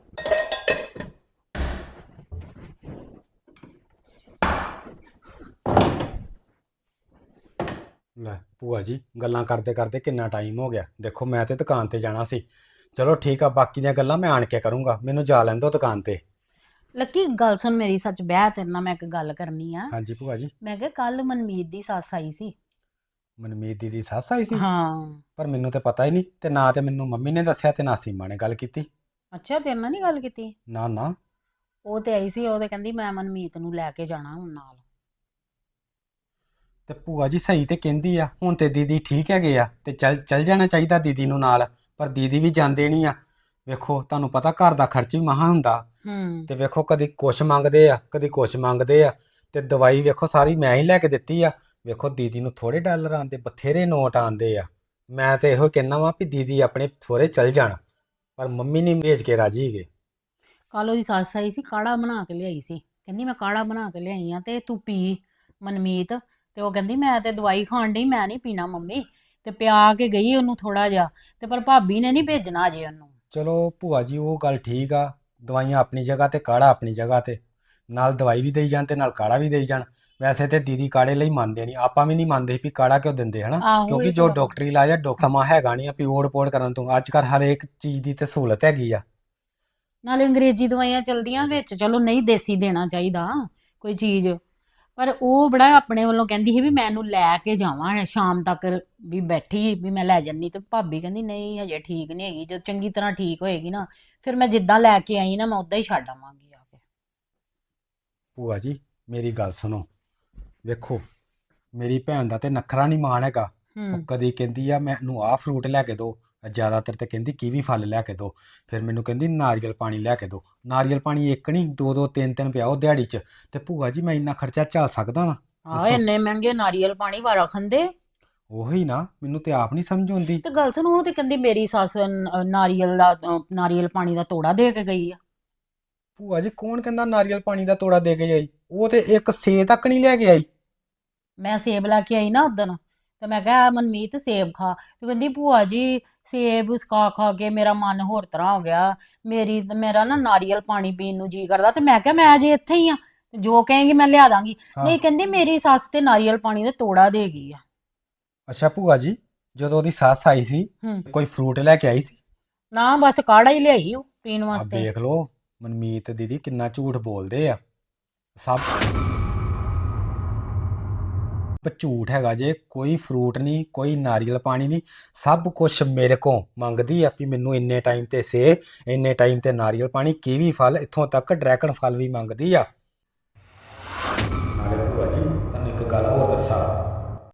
ਲੈ ਭੂਆ ਜੀ, ਗੱਲਾਂ ਕਰਦੇ ਕਰਦੇ ਕਿੰਨਾ ਟਾਈਮ ਹੋ ਗਿਆ। ਦੇਖੋ ਮੈਂ ਤੇ ਦੁਕਾਨ ਤੇ ਜਾਣਾ ਸੀ। ਚਲੋ ਠੀਕ ਆ, ਬਾਕੀ ਦੀਆਂ ਗੱਲਾਂ ਮੈਂ ਆਣ ਕੇ ਕਰੂੰਗਾ, ਮੈਨੂੰ ਜਾ ਲੈਣ ਦਿਓ ਦੁਕਾਨ ਤੇ। ਲੱਕੀ ਗੱਲ ਸੁਣ ਮੇਰੀ, ਸੱਚ ਬਹਿ ਤੇਰੇ ਨਾਲ ਮੈਂ ਇੱਕ ਗੱਲ ਕਰਨੀ ਆ। ਹਾਂਜੀ ਭੂਆ ਜੀ। ਮੈਂ ਕਿਹਾ ਕੱਲ ਮਨਮੀਤ ਦੀ ਸੱਸ ਆਈ ਸੀ। ਮਨਮੀਤ ਦੀ ਦੀ ਸੱਸ ਆਈ ਸੀ? ਹਾਂ। ਪਰ ਮੈਨੂੰ ਤੇ ਪਤਾ ਹੀ ਨਹੀਂ, ਤੇ ਨਾ ਤੇ ਮੈਨੂੰ ਮੰਮੀ ਨੇ ਦੱਸਿਆ ਤੇ ਨਾ ਸੀਮਾ ਨੇ ਗੱਲ ਕੀਤੀ। ਅੱਛਾ, ਤੇਰੇ ਨਾਲ ਨਹੀਂ ਗੱਲ ਕੀਤੀ? ਨਾ ਨਾ। ਉਹ ਤੇ ਆਈ ਸੀ, ਉਹ ਤੇ ਕਹਿੰਦੀ ਮੈਂ ਮਨਮੀਤ ਨੂੰ ਲੈ ਕੇ ਜਾਣਾ ਹੁਣ ਨਾਲ। ਤੇ ਭੂਆ ਜੀ ਸਹੀ ਤੇ ਕਹਿੰਦੀ ਆ, ਹੁਣ ਤੇ ਦੀਦੀ ਠੀਕ ਹੈਗੇ ਆ ਤੇ ਚੱਲ ਚੱਲ ਜਾਣਾ ਚਾਹੀਦਾ ਦੀਦੀ ਨੂੰ ਨਾਲ, ਪਰ ਦੀਦੀ ਵੀ ਜਾਂਦੇ ਨਹੀਂ ਆ। ਵੇਖੋ ਤੁਹਾਨੂੰ ਪਤਾ ਘਰ ਦਾ ਖਰਚ ਵੀ ਮਹਾ ਹੁੰਦਾ, ਹੂੰ ਤੇ ਵੇਖੋ ਕਦੀ ਕੁਛ ਮੰਗਦੇ ਆ ਕਦੀ ਕੁਛ ਮੰਗਦੇ ਆ, ਤੇ ਦਵਾਈ ਵੇਖੋ ਸਾਰੀ ਮੈਂ ਹੀ ਲੈ ਕੇ ਦਿੱਤੀ ਆ। ਵੇਖੋ ਦੀਦੀ ਨੂੰ ਥੋੜੇ ਡਾਲਰ ਆਉਂਦੇ, ਬਥੇਰੇ ਨੋਟ ਆਉਂਦੇ ਆ। ਮੈਂ ਤੇ ਇਹੋ ਕਹਿਣਾ ਵਾ ਵੀ ਦੀਦੀ ਆਪਣੇ ਸਹੁਰੇ ਚੱਲ ਜਾਣ, ਪਰ ਮੰਮੀ ਨਹੀਂ ਭੇਜ ਕੇ ਰਾਜੀ ਹੈਗੇ। ਕੱਲ ਉਹਦੀ ਸੱਸ ਆਈ ਸੀ, ਕਾੜਾ ਬਣਾ ਕੇ ਲਿਆਈ ਸੀ, ਕਹਿੰਦੀ ਮੈਂ ਕਾੜਾ ਬਣਾ ਕੇ ਲਿਆਈ ਆ ਤੇ ਤੂੰ ਪੀ ਮਨਮੀਤ। ਤੇ ਉਹ ਕਹਿੰਦੀ ਮੈਂ ਤੇ ਦਵਾਈ ਖਾਣ ਡਈ, ਮੈਂ ਨਹੀਂ ਪੀਣਾ ਮੰਮੀ, ਤੇ ਪਿਆ ਕੇ ਗਈ ਉਹਨੂੰ ਥੋੜਾ ਜਿਹਾ, ਤੇ ਪਰ ਭਾਬੀ ਨੇ ਨਹੀਂ ਭੇਜਣਾ ਅਜੇ ਉਹਨੂੰ। ਚਲੋ ਭੂਆ ਜੀ ਉਹ ਗੱਲ ਠੀਕ ਆ, ਦਵਾਈਆਂ ਆਪਣੀ ਜਗ੍ਹਾ ਤੇ ਕਾੜਾ ਆਪਣੀ ਜਗ੍ਹਾ ਤੇ, ਨਾਲ ਦਵਾਈ ਵੀ ਦੇਈ ਜਾਣ ਤੇ ਨਾਲ ਕਾੜਾ ਵੀ ਦੇਈ ਜਾਣ। ਵੈਸੇ ਤੇ ਦੀਦੀ ਕਾੜੇ ਲਈ ਮੰਨਦੇ ਨਹੀਂ, ਆਪਾਂ ਵੀ ਨਹੀਂ ਮੰਨਦੇ ਵੀ ਕਾੜਾ ਕਿਉਂ ਦਿੰਦੇ ਹਨਾ, ਆਹੋ ਕਿਉਂਕਿ ਇਹ ਜੋ ਤਾਂ ਡਾਕਟਰੀ ਇਲਾਜ ਆ ਡਾਕ ਸਮਾਂ ਹੈਗਾ ਨਹੀਂ ਆ ਵੀ ਓੜ ਪੋੜ ਕਰਨ ਤੋਂ। ਅੱਜ ਕੱਲ੍ਹ ਹਰ ਇੱਕ ਚੀਜ਼ ਦੀ ਤੇ ਸਹੂਲਤ ਹੈਗੀ ਆ। ਨਾਲੇ ਅੰਗਰੇਜ਼ੀ ਦਵਾਈਆਂ ਚਲਦੀਆਂ ਵਿੱਚ, ਚਲੋ ਨਹੀਂ ਦੇਸੀ ਦੇਣਾ ਚਾਹੀਦਾ ਕੋਈ ਚੀਜ਼, ਪਰ ਉਹ ਬੜਾ ਆਪਣੇ ਵੱਲੋਂ ਕਹਿੰਦੀ ਸੀ ਵੀ ਮੈਂ ਇਹਨੂੰ ਲੈ ਕੇ ਜਾਵਾਂ ਸ਼ਾਮ ਤੱਕ, ਵੀ ਬੈਠੀ ਵੀ ਮੈਂ ਲੈ ਜੰਨੀ। ਤੇ ਭਾਬੀ ਕਹਿੰਦੀ ਨਹੀਂ ਹਜੇ ਠੀਕ ਨਹੀਂ ਹੈਗੀ, ਜਦ ਚੰਗੀ ਤਰ੍ਹਾਂ ਠੀਕ ਹੋਏਗੀ ਨਾ ਫਿਰ ਮੈਂ ਜਿੱਦਾਂ ਲੈ ਕੇ ਆਈ ਨਾ ਮੈਂ ਉਦਾਂ ਹੀ ਛੱਡ ਆਵਾਂਗੀ ਆ ਕੇ। ਭੂਆ ਜੀ ਮੇਰੀ ਗੱਲ ਸੁਣੋ, ਵੇਖੋ ਮੇਰੀ ਭੈਣ ਦਾ ਤੇ ਨਖਰਾ ਨਹੀਂ ਮਾਣ ਹੈਗਾ। ਉਹ ਹੂੰ ਕਦੀ ਕਹਿੰਦੀ ਆ ਮੈਨੂੰ ਆਹ ਫਰੂਟ ਲੈ ਕੇ ਦਿਓ, ਜ਼ਿਆਦਾਤਰ ਤੇ ਕਹਿੰਦੀ ਕੀਵੀ ਫਲ ਲੈ ਕੇ ਦਿਓ, ਫਿਰ ਮੈਨੂੰ ਕਹਿੰਦੀ ਨਾਰੀਅਲ ਪਾਣੀ ਲੈ ਕੇ ਦਿਓ। ਨਾਰੀਅਲ ਪਾਣੀ ਇੱਕ ਨਹੀਂ ਦੋ ਦੋ ਤਿੰਨ ਤਿੰਨ ਪਿਆਓ ਦਿਹਾੜੀ 'ਚ, ਤੇ ਭੂਆ ਜੀ ਮੈਂ ਇੰਨਾ ਖਰਚਾ ਝੱਲ ਸਕਦਾ ਵਾਂ? ਆ ਦੱਸੋ। ਇੰਨੇ ਮਹਿੰਗੇ ਨਾਰੀਅਲ ਪਾਣੀ ਵਾਰਾ ਖੰਦੇ। ਉਹੀ ਨਾ, ਮੈਨੂੰ ਤੇ ਆਪ ਨਹੀਂ ਸਮਝ ਆਉਂਦੀ। ਤੇ ਗੱਲ ਸੁਣੋ, ਉਹ ਤੇ ਕਹਿੰਦੀ ਮੇਰੀ ਸੱਸ ਨ- ਨਾਰੀਅਲ ਦਾ ਅ, ਨਾਰੀਅਲ ਪਾਣੀ ਦਾ ਤੋੜਾ ਦੇ ਕੇ ਗਈ ਆ। ਭੂਆ ਜੀ ਕੌਣ ਕਹਿੰਦਾ ਨਾਰੀਅਲ ਪਾਣੀ ਦਾ ਤੋੜਾ ਦੇ ਕੇ ਆਈ? ਉਹ ਤੇ ਇੱਕ ਸੇ ਤੱਕ ਨਹੀਂ ਲੈ ਕੇ ਆਈ। ਮੈਂ ਸੇਬ ਲੈ ਕੇ ਆਈ ਨਾ ਉਦਣ, ਤੇ ਮੈਂ ਕਿਹਾ ਮਨਮੀਤ ਸੇਬ ਖਾ, ਤੇ ਕਹਿੰਦੀ ਭੂਆ ਜੀ ਸੇਬ ਖਾ ਖਾ ਕੇ ਮੇਰਾ ਮਨ ਹੋਰ ਤਰ੍ਹਾਂ ਹੋ ਗਿਆ, ਮੇਰੀ ਮੇਰਾ ਨਾ ਨਾਰੀਅਲ ਪਾਣੀ ਪੀਣ ਨੂੰ ਜੀ ਕਰਦਾ। ਤੇ ਮੈਂ ਕਿਹਾ ਮੈਂ ਅਜੇ ਇੱਥੇ ਹੀ ਆ, ਤੇ ਜੋ ਕਹੇਂਗੀ ਮੈਂ ਲਿਆ ਦਾਂਗੀ। ਹਾਂ। ਨਹੀਂ ਕਹਿੰਦੀ ਮੇਰੀ ਸੱਸ ਤੇ ਨਾਰੀਅਲ ਪਾਣੀ ਦਾ ਤੋੜਾ ਦੇ ਗਈ ਆ। ਅੱਛਾ ਭੂਆ ਜੀ, ਜਦੋਂ ਉਹਦੀ ਸੱਸ ਆਈ ਸੀ ਹੂੰ ਕੋਈ ਫਰੂਟ ਲੈ ਕੇ ਆਈ ਸੀ? ਨਾ ਬਸ ਕਾੜਾ ਹੀ ਲਿਆਈ ਉਹ ਪੀਣ ਆ ਵਾਸਤੇ। ਵੇਖ ਲਓ ਮਨਮੀਤ ਦੀਦੀ ਕਿੰਨਾ ਝੂਠ ਬੋਲਦੇ ਆ। ਸਭ ਝੂਠ ਹੈਗਾ ਜੇ, ਕੋਈ ਫਰੂਟ ਨਹੀਂ ਕੋਈ ਨਾਰੀਅਲ ਪਾਣੀ ਨਹੀਂ, ਸਭ ਕੁਝ ਮੇਰੇ ਕੋਲ ਮੰਗਦੀ ਆ ਵੀ ਮੈਨੂੰ ਇੰਨੇ ਟਾਈਮ ਤੇ ਸੇ, ਇੰਨੇ ਟਾਈਮ ਤੇ ਨਾਰੀਅਲ ਪਾਣੀ, ਕੀਵੀ ਫਲ, ਇੱਥੋਂ ਤੱਕ ਡਰੈਗਨ ਫਲ ਵੀ ਮੰਗਦੀ ਆ। ਨਾਲੇ ਭੂਆ ਜੀ ਤੁਹਾਨੂੰ ਇੱਕ ਗੱਲ ਹੋਰ ਦੱਸਾਂ,